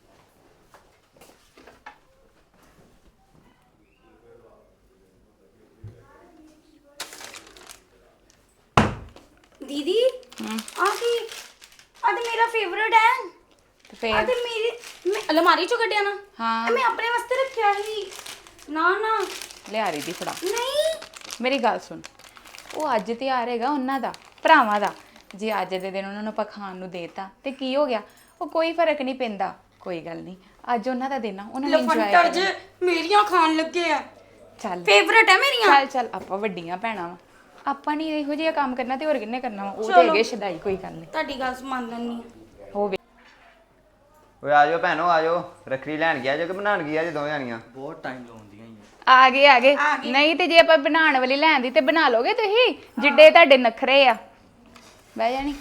Speaker 3: ਦੀਦੀ ਆ ਕੀ? ਅੱਜ ਮੇਰਾ ਫੇਵਰਟ ਹੈ।
Speaker 4: ਤੇ ਫੇਰ
Speaker 3: ਅੱਜ ਮੇਰੀ ਮੈਂ ਅਲਮਾਰੀ ਚੋਂ ਕੱਢਿਆ ਨਾ।
Speaker 4: ਹਾਂ।
Speaker 3: ਇਹ ਮੈਂ ਆਪਣੇ ਵਾਸਤੇ ਰੱਖਿਆ ਸੀ। ਨਾ ਨਾ
Speaker 4: ਲਿਆ ਰਹੀ ਦੀ ਫੜਾ।
Speaker 3: ਨਹੀਂ,
Speaker 4: ਮੇਰੀ ਗੱਲ ਸੁਣ, ਉਹ ਅੱਜ ਤਿਉਹਾਰ ਹੈਗਾ ਉਹਨਾਂ ਦਾ, ਭਰਾਵਾਂ ਦਾ। ਜੇ ਅੱਜ ਦੇ ਦਿਨ ਉਹਨਾਂ ਨੂੰ ਆਪਾਂ ਖਾਣ ਨੂੰ ਦੇਤਾ ਤੇ ਕੀ ਹੋ ਗਿਆ? ਉਹ ਕੋਈ ਫਰਕ ਨਹੀਂ ਪੈਂਦਾ, ਕੋਈ ਗੱਲ ਨਹੀਂ। ਅੱਜ ਉਹਨਾਂ ਦਾ ਦਿਨ ਆ, ਉਹਨਾਂ ਨੇ ਇੰਜੋਏ
Speaker 3: ਲਫੰਟਰ
Speaker 4: ਕਰਨਾ।
Speaker 3: ਜ ਮੇਰੀਆਂ ਖਾਣ ਲੱਗੇ ਆ।
Speaker 4: ਚੱਲ
Speaker 3: ਫੇਵਰਟ ਹੈ ਮੇਰੀਆਂ।
Speaker 4: ਚੱਲ ਚੱਲ, ਆਪਾਂ ਵੱਡੀਆਂ ਭੈਣਾਂ ਵਾ, ਆਪਾਂ ਨਹੀਂ ਇਹੋ ਜਿਹਾ ਕੰਮ ਕਰਨਾ ਤੇ ਹੋਰ ਕਿੰਨੇ ਕਰਨਾ ਵਾ? ਉਹ ਤੇ ਹੈਗੇ ਸ਼ਦਾਈ, ਕੋਈ ਗੱਲ ਨਹੀਂ।
Speaker 3: ਤੁਹਾਡੀ ਗੱਲ ਮੰਨ ਲੈਣੀ।
Speaker 4: ਹੋਵੇ
Speaker 1: ਓਏ ਆ ਜਾਓ ਭੈਣੋ, ਆ ਜਾਓ। ਰੱਖੜੀ ਲੈਣ ਗਿਆ ਜੋ ਕਿ ਬਣਾਉਣ ਗਿਆ ਜੇ ਦੋਵੇਂ ਜਾਣੀਆਂ?
Speaker 8: ਬਹੁਤ ਟਾਈਮ ਲਾਉਂਦੀਆਂ ਹੀ
Speaker 4: ਆ ਗਏ ਨਹੀਂ ਤੇ ਜੇ ਆਪਾਂ ਬਣਾਉਣ ਵਾਲੀ ਲੈਂਦੀ ਤੇ ਬਣਾ ਲੋਗੇ ਤੁਸੀਂ, ਜਿੱਡੇ ਤੁਹਾਡੇ ਨਖਰੇ ਆ। ਬਹਿ ਜਾਣੀ।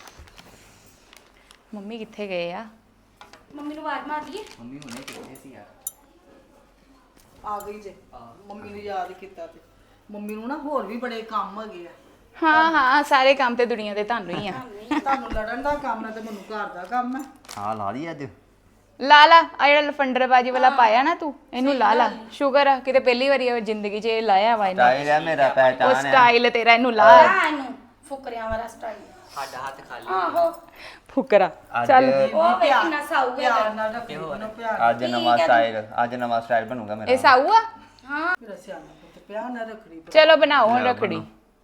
Speaker 4: ਮੰਮੀ ਕਿੱਥੇ ਗਏ ਆ?
Speaker 3: ਮੰਮੀ ਨੂੰ ਆਵਾਜ਼ ਮਾਰ ਦਈਏ।
Speaker 8: ਮੰਮੀ ਹੁਣੇ ਕਿੱਥੇ ਸੀ ਯਾਰ?
Speaker 7: ਆ ਗਈ ਜੇ, ਮੰਮੀ ਨੂੰ ਯਾਦ ਕੀਤਾ ਤੇ ਮੰਮੀ ਨੂੰ ਨਾ ਹੋਰ ਵੀ ਬੜੇ ਕੰਮ ਹੈਗੇ ਆ।
Speaker 4: ਹਾਂ ਹਾਂ, ਸਾਰੇ ਕੰਮ ਤੇ ਦੁਨੀਆ ਤੇ ਤੁਹਾਨੂੰ ਹੀ ਆ।
Speaker 7: ਤੁਹਾਨੂੰ ਲੜਨ ਦਾ ਕੰਮ ਹੈ ਤੇ ਮੈਨੂੰ ਘਰ ਦਾ ਕੰਮ ਹੈ।
Speaker 1: ਹਾਂ ਲਾ ਲਈ ਅੱਜ।
Speaker 4: ਲਾ ਲਾ ਆ ਜਿਹੜਾ ਲਫੰਡਰਬਾਜੀ ਵਾਲਾ ਪਾਇਆ ਨਾ ਤੂੰ, ਇਹਨੂੰ ਲਾ ਲਾ। ਸ਼ੁਕਰ ਆ ਕਿਤੇ ਪਹਿਲੀ ਵਾਰੀ ਜ਼ਿੰਦਗੀ 'ਚ ਇਹ ਲਾਇਆ ਵਾ ਇਹਨੇ।
Speaker 1: ਸਟਾਈਲ ਹੈ ਮੇਰਾ,
Speaker 4: ਉਹ
Speaker 1: ਪਹਿਚਾਨ ਹੈ।
Speaker 4: ਸਟਾਈਲ ਤੇਰਾ, ਇਹਨੂੰ ਲਾ।
Speaker 3: ਆ ਇਹਨੂੰ ਫੁਕਰਿਆਂ ਵਾਲਾ ਸਟਾਈਲ।
Speaker 8: ਸਾਡਾ ਹੱਥ ਖਾਲੀ।
Speaker 3: ਆਹੋ,
Speaker 4: ਫੁਕਰਾ।
Speaker 1: ਅੱਜ
Speaker 4: ਚੱਲ
Speaker 3: ਉਹ ਵੇ ਕਿੰਨਾ ਸਾਊ
Speaker 7: ਪਿਆਰ
Speaker 3: ਹੈ।
Speaker 7: ਨਾਲ ਰੱਖੀ ਮੈਨੂੰ ਪਿਆਰ।
Speaker 1: ਅੱਜ ਨਵਾਂ ਸਟਾਈਲ, ਅੱਜ ਨਵਾਂ ਸਟਾਈਲ ਬਣੂਗਾ ਮੇਰਾ।
Speaker 4: ਇਹ ਸਾਊ ਆ।
Speaker 7: ਮੇਰਾ ਸਿਆਣਾ ਪੁੱਤ ਪਿਆਰ ਨਾਲ ਰੱਖੜੀ।
Speaker 4: ਚਲੋ ਬਣਾਓ ਹੁਣ ਰੱਖੜੀ।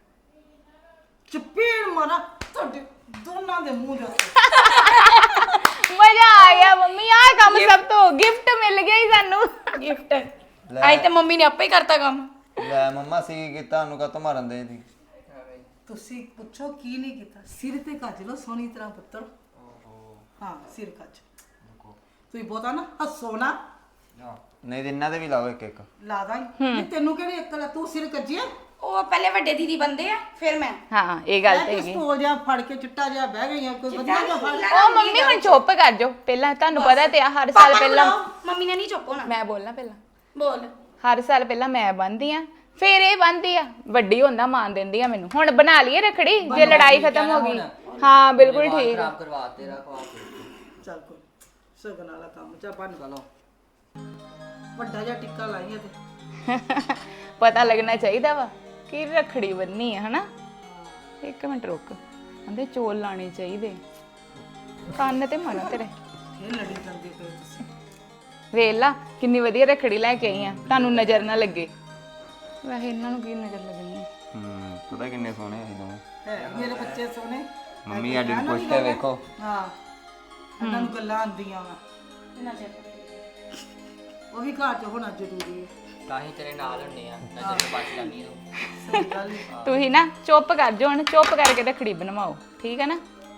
Speaker 7: ਚਪੇੜ ਮਾਰਾ ਤੁਹਾਡੇ ਦੋਨਾਂ ਦੇ ਮੂੰਹ ਦੇ ਉੱਤੇ।
Speaker 4: ਮਜ਼ਾ ਆ ਗਿਆ ਮੰਮੀ, ਆਹ ਕੰਮ ਸਭ ਤੋਂ ਗਿਫਟ ਮਿਲ ਗਿਆ ਹੀ ਸਾਨੂੰ।
Speaker 3: ਗਿਫਟ ਆਈ ਤੇ ਮੰਮੀ ਨੇ ਆਪੇ ਹੀ ਕਰਤਾ ਕੰਮ।
Speaker 1: ਲੈ ਮੰਮਾ ਸੀ ਕੀਤਾ ਉਹਨੂੰ ਕਾ ਮਾਰਨ ਦੇ ਦੀ।
Speaker 7: ਤੁਸੀਂ ਪੁੱਛੋ ਕੀ ਨਹੀਂ ਕੀਤਾ? ਸਿਰ ਤੇ ਕੱਜ ਲੋ ਸੋਹਣੀ ਤਰ੍ਹਾਂ ਪੁੱਤਰ। ਹਾਂ ਸਿਰ ਕੱਜ। ਤੁਸੀਂ ਬਹੁਤਾ ਨਾ ਹੱਸੋ ਨਾ।
Speaker 1: ਨਹੀਂ ਤੇ ਇਹਨਾਂ ਦੇ ਵੀ ਲਾਓ ਇੱਕ ਇੱਕ।
Speaker 7: ਲਾ ਦਾਂਗੀ। ਨਹੀਂ ਤੈਨੂੰ ਕਿਹੜੀ ਅਕਲ ਆ? ਤੂੰ ਸਿਰ ਕੱਜਿਆ।
Speaker 3: ਉਹ ਪਹਿਲੇ ਵੱਡੇ ਦੀਦੀ ਬੰਦੇ ਆ, ਫਿਰ ਮੈਂ।
Speaker 4: ਹਾਂ ਇਹ ਗੱਲ ਤੇ ਹੈਗੀ।
Speaker 7: ਪਿਸਤੌਲ ਜਿਹਾ ਫੜ ਕੇ ਚਿੱਟਾ ਜਿਹਾ ਬਹਿ ਗਈਆਂ, ਕੋਈ ਵਧੀਆ ਜਿਹਾ ਫੜ।
Speaker 4: ਉਹ ਮੰਮੀ ਹੁਣ ਚੁੱਪ ਕਰ ਜਾਓ। ਪਹਿਲਾਂ ਤੁਹਾਨੂੰ ਪਤਾ ਤੇ ਆ ਹਰ ਸਾਲ ਪਹਿਲਾਂ
Speaker 3: ਮੰਮੀ ਨੇ ਨਹੀਂ ਚੁੱਪ ਹੋਣਾ।
Speaker 4: ਮੈਂ ਬੋਲਣਾ ਪਹਿਲਾਂ।
Speaker 3: ਬੋਲ।
Speaker 4: ਹਰ ਸਾਲ ਪਹਿਲਾਂ ਮੈਂ ਬੰਨ੍ਹਦੀ ਆ, ਫਿਰ ਇਹ ਬੰਨ੍ਹਦੀ ਆ। ਵੱਡੀ ਹੁੰਦਾ ਮਾਨ ਦਿੰਦੀ ਆ ਮੈਨੂੰ। ਹੁਣ ਬਣਾ ਲਈਏ ਰੱਖੜੀ ਜੇ ਲੜਾਈ ਖਤਮ ਹੋ ਗਈ। ਹਾਂ ਬਿਲਕੁਲ ਠੀਕ ਆ।
Speaker 8: ਖਰਾਬ ਕਰਵਾ ਤੇਰਾ ਖਵਾ ਕੇ।
Speaker 7: ਚੱਲ ਕੋਈ ਸਗਨ ਵਾਲਾ ਕੰਮ ਚਾ ਬਣ।
Speaker 8: ਚਲੋ
Speaker 7: ਵੱਡਾ ਜਿਹਾ ਟਿੱਕਾ ਲਾਈਏ ਤੇ
Speaker 4: ਪਤਾ ਲੱਗਣਾ ਚਾਹੀਦਾ ਵਾ ਕਿ ਰੱਖੜੀ ਬੰਨੀ ਹੈ ਹਨਾ। ਇੱਕ ਮਿੰਟ ਰੁਕ, ਕਹਿੰਦੇ ਚੋਲ ਲਾਣੇ ਚਾਹੀਦੇ, ਕੰਨ ਤੇ ਮਾਰਾ ਤੇਰੇ।
Speaker 7: ਇਹ ਲੜੀ ਜਾਂਦੇ ਪਏ ਤੁਸੀਂ।
Speaker 4: ਵੇਖ ਲਾ ਕਿੰਨੀ ਵਧੀਆ ਰੱਖੜੀ ਲੈ ਕੇ ਆਈ ਆ, ਤੁਹਾਨੂੰ ਨਜ਼ਰ ਨਾ ਲੱਗੇ। ਵੈਸੇ ਇਹਨਾਂ ਨੂੰ ਕੀ ਨਜ਼ਰ ਲੱਗਣੀ ਹੈ।
Speaker 1: ਪਤਾ ਕਿੰਨੇ ਸੋਹਣੇ ਆ ਦੋਵੇਂ।
Speaker 7: ਹੈ ਮੇਰੇ ਬੱਚੇ ਸੋਹਣੇ।
Speaker 1: ਮੰਮੀ ਅੱਜ ਨੂੰ ਪੁੱਛ ਕੇ ਵੇਖੋ।
Speaker 7: ਹਾਂ ਇਹਨਾਂ ਨੂੰ ਗੱਲਾਂ ਆਉਂਦੀਆਂ ਵਾ, ਉਹ ਵੀ ਘਰ 'ਚ ਹੋਣਾ ਜ਼ਰੂਰੀ ਹੈ।
Speaker 8: ਤਾਂ ਹੀ ਤੇਰੇ ਨਾਲ ਹੁੰਨੇ ਆ, ਨਜ਼ਰ ਨੂੰ ਬਚ ਜਾਂਦੀ ਤੂੰ।
Speaker 7: ਸਹੀ ਗੱਲ ਹੈ।
Speaker 4: ਤੁਸੀਂ ਨਾ ਚੁੱਪ ਕਰ ਜਾਓ ਹੁਣ, ਚੁੱਪ ਕਰਕੇ ਰੱਖੜੀ ਬਣਵਾਓ, ਠੀਕ ਹੈ ਨਾ।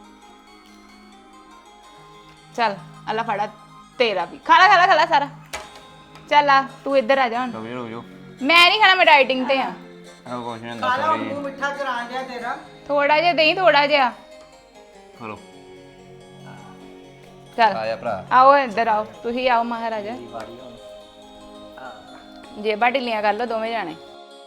Speaker 4: ਚੱਲ ਅੱਲਾ ਫੜਾ ਤੇਰਾ ਵੀ, ਖਾ ਲਾ ਸਾਰਾ। ਚੱਲ ਆ ਤੂੰ ਇੱਧਰ ਆ ਜਾ ਹੁਣ।
Speaker 1: ਰੁਕ ਜਾਓ
Speaker 4: ਮੈਂ ਨਹੀਂ ਖਾਣਾ, ਮੈਂ ਡਾਈਟਿੰਗ ਤੇ ਆ।
Speaker 1: ਆਹ ਕੁਛ ਨਹੀਂ ਹੁੰਦਾ
Speaker 7: ਕਾਲਾ
Speaker 1: ਸੌਰੀ।
Speaker 7: ਮੂੰਹ ਮਿੱਠਾ ਕਰਾ ਗਿਆ ਤੇਰਾ।
Speaker 4: ਥੋੜਾ ਜਿਹਾ ਦੇਈ, ਥੋੜਾ ਜਿਹਾ।
Speaker 1: ਚਲੋ
Speaker 4: ਚੱਲ
Speaker 1: ਆਇਆ ਭਰਾ।
Speaker 4: ਆਓ ਇੱਧਰ ਆਓ, ਤੁਸੀਂ ਆਓ ਮਹਾਰਾਜਾ।
Speaker 8: ਵਾਰੀ ਹੁਣ
Speaker 4: ਜੇਬਾਂ ਢਿੱਲੀਆਂ ਕਰ ਲਓ ਦੋਵੇਂ ਜਾਣੇ।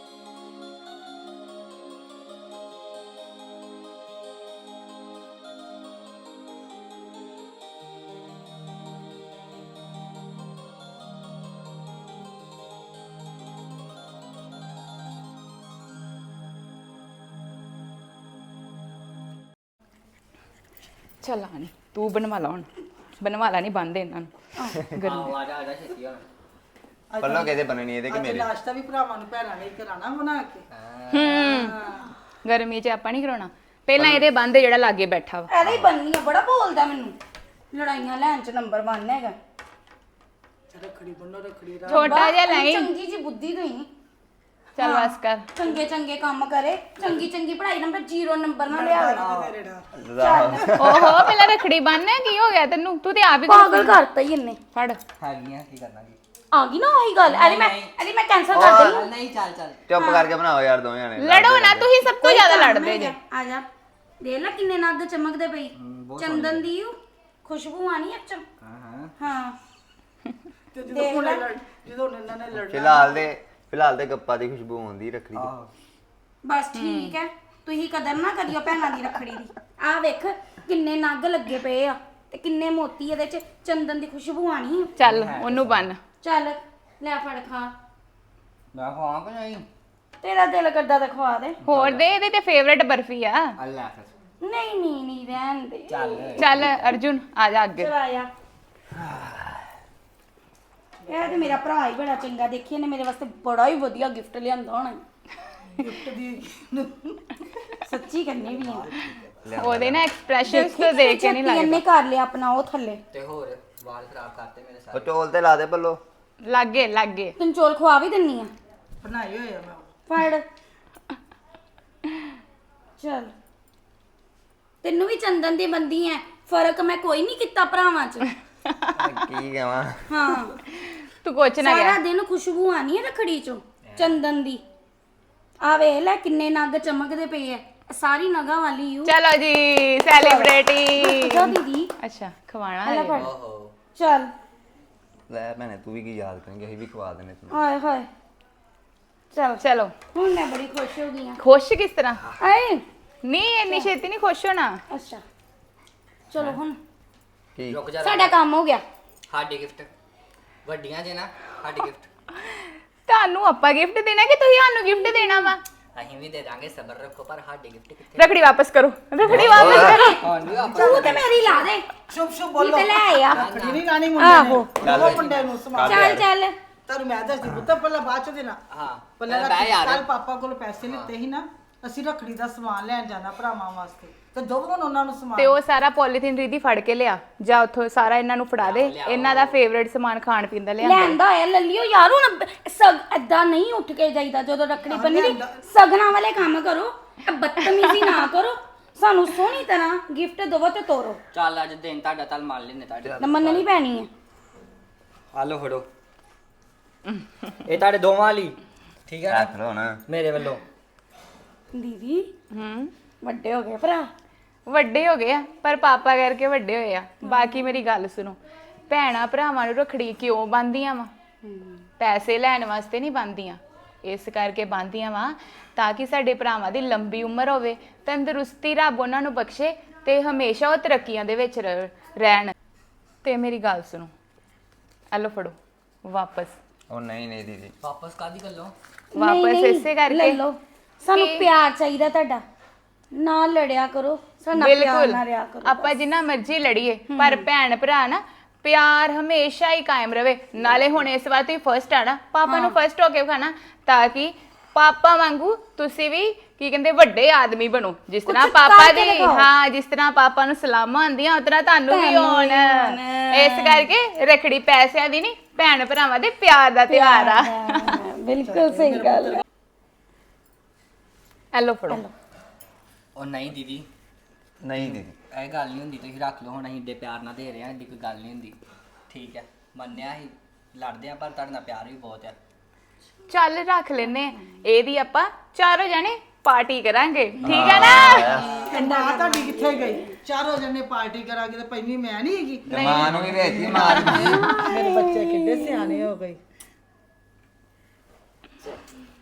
Speaker 4: ਚੱਲ ਆਣੀ ਤੂੰ ਬਣਵਾ ਲਾ ਹੁਣ, ਬਣਵਾ ਲਾ, ਨਹੀਂ ਬੰਦੇ ਇਹਨਾਂ ਨੂੰ ਗਰਮੀ।
Speaker 8: ਆ ਜਾ ਛੇਤੀ ਹੁਣ।
Speaker 1: ਪੱਲੋ ਕਿਹਦੇ ਬਣਨੀ ਇਹਦੇ ਕਿ
Speaker 7: ਅੱਜ
Speaker 1: ਮੇਰੇ?
Speaker 7: ਨਾਸ਼ਤਾ ਵੀ ਭਰਾਵਾਂ ਨੂੰ ਭੈਣਾਂ ਨੇ ਹੀ ਕਰਾਣਾ ਬਣਾ ਕੇ।
Speaker 4: ਗਰਮੀ 'ਚ ਆਪਾਂ ਨਹੀਂ ਕਰਾਉਣਾ, ਪਹਿਲਾਂ ਇਹਦੇ ਬੰਦੇ ਜਿਹੜਾ ਲਾਗੇ ਬੈਠਾ ਵਾ।
Speaker 3: ਐਵੇਂ ਹੀ ਬੰਨੀ ਆ, ਬੜਾ ਬੋਲਦਾ ਮੈਨੂੰ। ਲੜਾਈਆਂ ਲੈਣ 'ਚ ਨੰਬਰ 1 ਹੈਗਾ।
Speaker 7: ਰੱਖੜੀ ਬੰਨੋ, ਰੱਖੜੀ ਦਾ
Speaker 4: ਛੋਟਾ ਜਿਹਾ ਲਈ।
Speaker 3: ਚੰਗੀ ਜੀ ਬੁੱਧੀ ਤੋਂ
Speaker 4: ਚੱਲ ਬਸ ਕਰ।
Speaker 3: ਚੰਗੇ ਕੰਮ ਕਰੇ, ਚੰਗੀ ਪੜ੍ਹਾਈ ਨੰਬਰ 0 ਨੰਬਰ ਨਾ ਲਿਆਵੇ।
Speaker 7: ਤੇਰੇ ਨਾਲ
Speaker 4: ਓਹੋ ਪਹਿਲਾਂ ਰੱਖੜੀ ਬੰਨ੍ਹ, ਕੀ ਹੋ ਗਿਆ ਤੈਨੂੰ? ਤੂੰ ਤੇ ਆਪ ਹੀ
Speaker 3: ਪਾਗਲ ਕਰਤਾ ਹੀ ਇਹਨੇ।
Speaker 4: ਫੜ।
Speaker 8: ਹੈਗੀਆਂ ਕੀ ਕਰਨਾ ਕੀ?
Speaker 3: ਆ ਗਈ ਨਾ ਉਹੀ ਗੱਲ। ਅਰੇ ਮੈਂ ਕੈਂਸਲ ਕਰ ਦੇਣੀ।
Speaker 8: ਨਹੀਂ ਚੱਲ ਚੱਲ।
Speaker 1: ਚੁੱਪ ਕਰਕੇ ਬਣਾਓ ਯਾਰ ਦੋਵੇਂ ਜਾਣੇ।
Speaker 4: ਲੜੋ ਨਾ, ਤੁਸੀਂ ਸਭ ਤੋਂ ਜ਼ਿਆਦਾ ਲੜਦੇ ਜੇ।
Speaker 3: ਆ ਜਾ, ਦੇਖ ਲੈ ਕਿੰਨੇ ਨੱਗ ਚਮਕਦੇ ਪਈ। ਚੰਦਨ ਦੀ ਖੁਸ਼ਬੂ ਆਣੀ ਅੱਛਾ। ਹਾਂ
Speaker 7: ਤੇ ਜਦੋਂ ਇਹਨਾਂ ਨੇ ਲੜਨਾ
Speaker 1: ਫਿਲਹਾਲ ਤੇ ਗੱਪਾਂ ਦੀ ਖੁਸ਼ਬੂ ਆਉਂਦੀ ਰੱਖੜੀ ਦੀ।
Speaker 3: ਬਸ ਠੀਕ ਹੈ, ਤੁਸੀਂ ਕਦਰ ਨਾ ਕਰਿਓ ਭੈਣਾਂ ਦੀ ਰੱਖੜੀ ਦੀ। ਆ ਵੇਖ ਕਿੰਨੇ ਨੱਗ ਲੱਗੇ ਪਏ ਆ ਤੇ ਕਿੰਨੇ ਮੋਤੀ ਇਹਦੇ 'ਚ। ਚੰਦਨ ਦੀ ਖੁਸ਼ਬੂ ਆਣੀ।
Speaker 4: ਚੱਲ ਉਹਨੂੰ ਬੰਨ।
Speaker 3: ਚੱਲ ਲੈ ਫੜ ਖਾ।
Speaker 8: ਮੈਂ ਖਵਾਂ ਕਿ ਨਹੀਂ?
Speaker 3: ਤੇਰਾ ਦਿਲ ਕਰਦਾ ਤਾਂ ਖਵਾ ਦੇ।
Speaker 4: ਹੋਰ ਦੇ, ਇਹਦੇ ਤੇ ਫੇਵਰੇਟ ਬਰਫੀ ਆ।
Speaker 8: ਅੱਲਾ ਫਿਰ
Speaker 3: ਨਹੀਂ ਰਹਿਣ ਦੇ।
Speaker 4: ਚੱਲ ਅਰਜੁਨ ਆ ਜਾ ਅੱਗੇ।
Speaker 3: ਚਲ ਆਇਆ। ਇਹ ਤੇ ਮੇਰਾ ਭਰਾ ਹੀ ਬੜਾ ਚੰਗਾ, ਦੇਖੀ ਇਹਨੇ ਮੇਰੇ ਵਾਸਤੇ ਬੜਾ ਹੀ ਵਧੀਆ ਗਿਫਟ ਲਿਆਂਦਾ ਹੋਣਾ।
Speaker 7: ਗਿਫਟ ਦੀ
Speaker 3: ਸੱਚੀ ਕਰਨੀ ਵੀ ਆ।
Speaker 4: ਉਹਦੇ ਨਾ ਐਕਸਪ੍ਰੈਸ਼ਨਸ ਤੋਂ ਦੇਖ ਕੇ ਨਹੀਂ ਲੱਗਦਾ।
Speaker 3: ਇਹਨੇ ਕਰ ਲਿਆ ਆਪਣਾ ਉਹ ਥੱਲੇ।
Speaker 8: ਤੇ ਹੋਰ ਵਾਲ ਖਰਾਬ ਕਰਤੇ ਮੇਰੇ
Speaker 1: ਉਹ
Speaker 8: ਸਾਰੇ।
Speaker 1: ਚੋਲ ਤੇ ਲਾ ਦੇ ਪੱਲੋ।
Speaker 4: ਲੱਗੇ
Speaker 3: ਤੈਨੂੰ ਚੋਲ ਖਵਾ ਵੀ ਦਿੰਨੀ ਆ।
Speaker 7: ਬਣਾਏ ਹੋਏ ਆ ਮੈਂ।
Speaker 3: ਫੜ। ਚਲ ਤੈਨੂੰ ਵੀ ਚੰਦਨ ਦੀ ਬੰਦੀ ਐ, ਫਰਕ ਮੈਂ ਕੋਈ ਨਹੀਂ ਕੀਤਾ ਭਰਾਵਾਂ 'ਚ।
Speaker 1: ਕੀ ਕਹਾਂ?
Speaker 3: ਹਾਂ
Speaker 4: ਤੂੰ ਕੁਛ ਨਾ
Speaker 3: ਸਾਰਾ
Speaker 4: ਕਹਿ।
Speaker 3: ਦਿਨ ਖੁਸ਼ਬੂ ਆਣੀ ਹੈ ਰੱਖੜੀ 'ਚੋਂ ਚੰਦਨ ਦੀ। ਆ ਵੇਖ ਲੈ ਕਿੰਨੇ ਨੱਗ ਚਮਕਦੇ ਪਏ ਐ, ਸਾਰੀ ਨਗਾਂ ਵਾਲੀ ਯੂ।
Speaker 4: ਚਲੋ ਜੀ ਸੈਲੀਬ੍ਰੇਟੀ।
Speaker 3: ਜਾ ਦੀਦੀ।
Speaker 4: ਅੱਛਾ ਖਵਾਣਾ
Speaker 3: ਲੈ
Speaker 4: ਹੈ।
Speaker 3: ਫੜ।
Speaker 8: ਓਹੋ
Speaker 3: ਚੱਲ
Speaker 1: ਲੈ ਭੈਣੇ ਤੂੰ ਵੀ ਕੀ ਯਾਦ ਕਰਾਂਗੇ, ਅਸੀਂ ਵੀ ਖਵਾ ਦੇਣੇ ਤੈਨੂੰ।
Speaker 3: ਹਾਏ ਹਾਏ। ਚਲ
Speaker 4: ਚਲੋ
Speaker 3: ਹੁਣ ਮੈਂ ਬੜੀ ਖੁਸ਼ ਹੋ ਗਈ ਆ।
Speaker 4: ਖੁਸ਼ ਕਿਸ ਤਰ੍ਹਾਂ?
Speaker 3: ਆਏ
Speaker 4: ਨਹੀਂ ਇੰਨੀ ਛੇਤੀ ਨਹੀਂ ਖੁਸ਼ ਹੋਣਾ।
Speaker 3: ਅੱਛਾ ਚਲੋ ਹੁਣ
Speaker 1: ਕੀ
Speaker 8: ਰੁਕ ਜਾ।
Speaker 3: ਸਾਡਾ ਕੰਮ ਹੋ ਗਿਆ।
Speaker 8: ਸਾਡੀ ਗਿਫਟ ਵੱਡੀਆਂ ਜੇ ਨਾ, ਸਾਡੀ ਗਿਫਟ
Speaker 4: ਤੁਹਾਨੂੰ ਆਪਾਂ ਗਿਫਟ ਦੇਣਾ ਕਿ ਤੁਸੀਂ ਸਾਨੂੰ ਗਿਫਟ ਦੇਣਾ ਵਾ?
Speaker 8: ਅਸੀਂ ਵੀ ਦੇ ਦਾਂਗੇ, ਸਬਰ ਰੱਖੋ। ਪਰ ਸਾਡੀ ਗਿਫਟ ਕਿੱਥੇ?
Speaker 4: ਰੱਖੜੀ ਵਾਪਸ ਕਰੋ, ਰੱਖੜੀ ਵਾਪਸ ਕਰੋ।
Speaker 8: ਹਾਂ ਨਹੀਂ ਆਪਾਂ
Speaker 3: ਤੂੰ ਤੇ ਮੇਰੀ ਲਾ ਦੇ।
Speaker 7: ਸ਼ੁਭ ਸ਼ੁਭ
Speaker 3: ਕੀ
Speaker 7: ਬੋਲੋ।
Speaker 3: ਤੇ ਲੈ ਆ।
Speaker 7: ਰੱਖੜੀ ਨਹੀਂ ਲਾਣੀ ਮੁੰਡੇ
Speaker 3: ਆਹੋ।
Speaker 7: ਨੇ। ਉਹ ਮੁੰਡੇ ਨੂੰ ਸਮਾਨ।
Speaker 3: ਚੱਲ
Speaker 7: ਤੁਹਾਨੂੰ ਮੈਂ ਦੱਸਦੀ ਪੁੱਤ, ਪਹਿਲਾਂ ਬਾਅਦ ਚ ਦੇਣਾ।
Speaker 8: ਹਾਂ
Speaker 7: ਪਹਿਲਾਂ
Speaker 8: ਬਹਿ ਯਾਰ।
Speaker 7: ਕੱਲ ਪਾਪਾ ਕੋਲ ਪੈਸੇ ਲਿੱਤੇ ਸੀ ਨਾ, ਅਸੀਂ ਰੱਖੜੀ ਦਾ ਸਮਾਨ ਲੈਣ ਜਾਣਾ ਭਰਾਵਾਂ ਵਾਸਤੇ, ਤੇ ਦੋਵਾਂ ਨੂੰ ਉਹਨਾਂ ਨੂੰ
Speaker 4: ਤੇ
Speaker 7: ਸਮਾਨ।
Speaker 4: ਉਹ ਸਾਰਾ ਪੋਲੀਥੀਨ ਰੀਦੀ ਫੜ ਕੇ ਲਿਆ, ਜਾਂ ਉੱਥੋਂ ਸਾਰਾ ਇਹਨਾਂ ਨੂੰ ਫੜਾ ਦੇ। ਇਹਨਾਂ ਦਾ ਫੇਵਰੇਟ ਸਮਾਨ ਖਾਣ ਪੀਣ ਦਾ ਲਿਆਂਦਾ।
Speaker 3: ਲੈਂਦਾ ਹੋਇਆ ਲੱਲਿਓ ਯਾਰ। ਹੁਣ ਏਦਾਂ ਨਹੀਂ ਉੱਠ ਕੇ ਜਾਈਦਾ ਜਦੋਂ ਰੱਖੜੀ ਬੰਨੀ ਦੀ। ਸਗਨਾਂ ਵਾਲੇ ਕੰਮ ਕਰੋ, ਇਹ ਬਦਤਮੀਜ਼ੀ ਨਾ ਕਰੋ। ਸਾਨੂੰ ਸੋਹਣੀ ਤਰ੍ਹਾਂ ਗਿਫਟ ਦਵੋ ਤੇ ਤੋਰੋ।
Speaker 8: ਚੱਲ ਅੱਜ ਦਿਨ ਤੁਹਾਡਾ ਤਲ ਮੰਨ ਲੈਨੇ ਤੁਹਾਡੇ।
Speaker 3: ਨਾ ਮੰਨਣੀ ਪੈਣੀ ਹੈ।
Speaker 8: ਆ ਲਓ ਫੜੋ। ਇਹ ਤੁਹਾਡੇ ਦੋਵਾਂ ਲਈ ਠੀਕ ਹੈ
Speaker 1: ਰੱਖ ਲਓ ਨਾ।
Speaker 8: ਮੇਰੇ ਵੱਲੋਂ।
Speaker 3: ਦੀਦੀ ਵੱਡੇ ਹੋ ਗਏ ਭਰਾ।
Speaker 4: ਵੱਡੇ ਹੋ ਗਏ ਆ, ਪਰ ਪਾਪਾ ਕਰਕੇ ਵੱਡੇ ਹੋਏ ਆ। ਬਾਕੀ ਮੇਰੀ ਗੱਲ ਸੁਣੋ, ਭੈਣਾਂ ਭਰਾਵਾਂ ਨੂੰ ਰੱਖੜੀ ਕਿਉਂ ਬੰਨ੍ਹਦੀਆਂ ਵਾ? ਪੈਸੇ ਲੈਣ ਵਾਸਤੇ ਨਹੀਂ ਬੰਨ੍ਹਦੀਆਂ, ਇਸ ਕਰਕੇ ਬੰਨ੍ਹਦੀਆਂ ਵਾ ਤਾਂ ਕਿ ਸਾਡੇ ਭਰਾਵਾਂ ਦੀ ਲੰਬੀ ਉਮਰ ਹੋਵੇ, ਤੰਦਰੁਸਤੀ ਰੱਬ ਉਹਨਾਂ ਨੂੰ ਬਖਸ਼ੇ ਤੇ ਹਮੇਸ਼ਾ ਉਹ ਤਰੱਕੀਆਂ ਦੇ ਵਿੱਚ ਰਹਿਣ। ਤੇ ਮੇਰੀ ਗੱਲ ਸੁਣੋ, ਆ ਲਓ ਫੜੋ ਵਾਪਸ।
Speaker 1: ਉਹ ਨਹੀਂ ਨਹੀਂ ਦੀਦੀ
Speaker 8: ਵਾਪਸ ਕਾਦੀ ਕਰ ਲਓ
Speaker 4: ਵਾਪਸ ਇਸੇ ਕਰਕੇ
Speaker 3: ਲੈ ਲਓ ਸਾਨੂੰ ਪਿਆਰ ਚਾਹੀਦਾ ਤੁਹਾਡਾ ਨਾ ਲੜਿਆ ਕਰੋ ਸਾਨੂੰ ਪਿਆਰ
Speaker 4: ਬਿਲਕੁਲ
Speaker 3: ਨਾ ਰਿਆ ਕਰੋ
Speaker 4: ਆਪਾਂ ਜਿੰਨਾ ਮਰਜ਼ੀ ਲੜੀਏ ਪਰ ਭੈਣ ਭਰਾ ਨਾ ਪਿਆਰ ਹਮੇਸ਼ਾ ਹੀ ਕਾਇਮ ਰਵੇ ਨਾਲੇ ਹੁਣ ਇਸ ਵਾਰ ਤੁਸੀਂ ਫਰਸਟ ਆਣਾ ਪਾਪਾ ਨੂੰ ਫਰਸਟ ਹੋ ਕੇ ਵਿਖਾਣਾ ਤਾਂ ਕਿ ਪਾਪਾ ਵਾਂਗੂ ਤੁਸੀਂ ਵੀ ਕੀ ਕਹਿੰਦੇ ਵੱਡੇ ਆਦਮੀ ਬਣੋ ਜਿਸ ਤਰ੍ਹਾਂ
Speaker 3: ਕੁਛ
Speaker 4: ਪਾਪਾ
Speaker 3: ਕਰਕੇ
Speaker 4: ਦੀ
Speaker 3: ਦਿਖਾਓ।
Speaker 4: ਹਾਂ ਜਿਸ ਤਰ੍ਹਾਂ ਪਾਪਾ ਨੂੰ ਸਲਾਮਾਂ ਆਉਂਦੀਆਂ ਉਸ ਤਰ੍ਹਾਂ ਤੁਹਾਨੂੰ ਵੀ ਹੋਣ ਇਸ ਕਰਕੇ ਰੱਖੜੀ ਪੈਸਿਆਂ ਦੀ ਨਹੀਂ ਭੈਣ ਭਰਾਵਾਂ ਦੇ ਪਿਆਰ ਦਾ ਤਿਉਹਾਰ ਆ
Speaker 3: ਬਿਲਕੁਲ ਸਹੀ ਗੱਲ
Speaker 4: ਐਲੋ ਫੜੋ
Speaker 8: ਉਹ ਨਹੀਂ ਦੀਦੀ
Speaker 1: ਨਹੀਂ ਦੀਦੀ
Speaker 8: ਇਹ ਗੱਲ ਨਹੀਂ ਹੁੰਦੀ ਤੁਸੀਂ ਰੱਖ ਲਓ ਹੁਣ ਅਸੀਂ ਏਡੇ ਪਿਆਰ ਨਾਲ ਦੇ ਰਹੇ ਹਾਂ ਏਡੀ ਕੋਈ ਗੱਲ ਨਹੀਂ ਹੁੰਦੀ ਠੀਕ ਹੈ ਮੰਨਿਆ ਅਸੀਂ ਲੜਦੇ ਆ ਪਰ ਤੁਹਾਡੇ ਨਾਲ ਪਿਆਰ ਵੀ ਬਹੁਤ ਹੈ
Speaker 4: ਚੱਲ ਰੱਖ ਲੈਨੇ ਆ। ਇਹਦੀ ਆਪਾਂ ਚਾਰੋਂ ਜਣੇ ਪਾਰਟੀ ਕਰਾਂਗੇ ਠੀਕ ਹੈ ਨਾ
Speaker 7: ਮਾਂ ਤੁਹਾਡੀ ਕਿੱਥੇ ਗਈ ਚਾਰੋਂ ਜਣੇ ਪਾਰਟੀ ਕਰਾਂਗੇ ਤੇ ਪਹਿਲੀ ਮੈਂ ਨਹੀਂ ਹੈਗੀ
Speaker 1: ਤੇ ਮਾਂ ਨੂੰ ਵੀ ਭੇਜਦੀ ਮਾਰ
Speaker 7: ਮੇਰੇ ਬੱਚੇ ਕਿੱਡੇ ਸਿਆਣੇ ਹੋ ਗਏ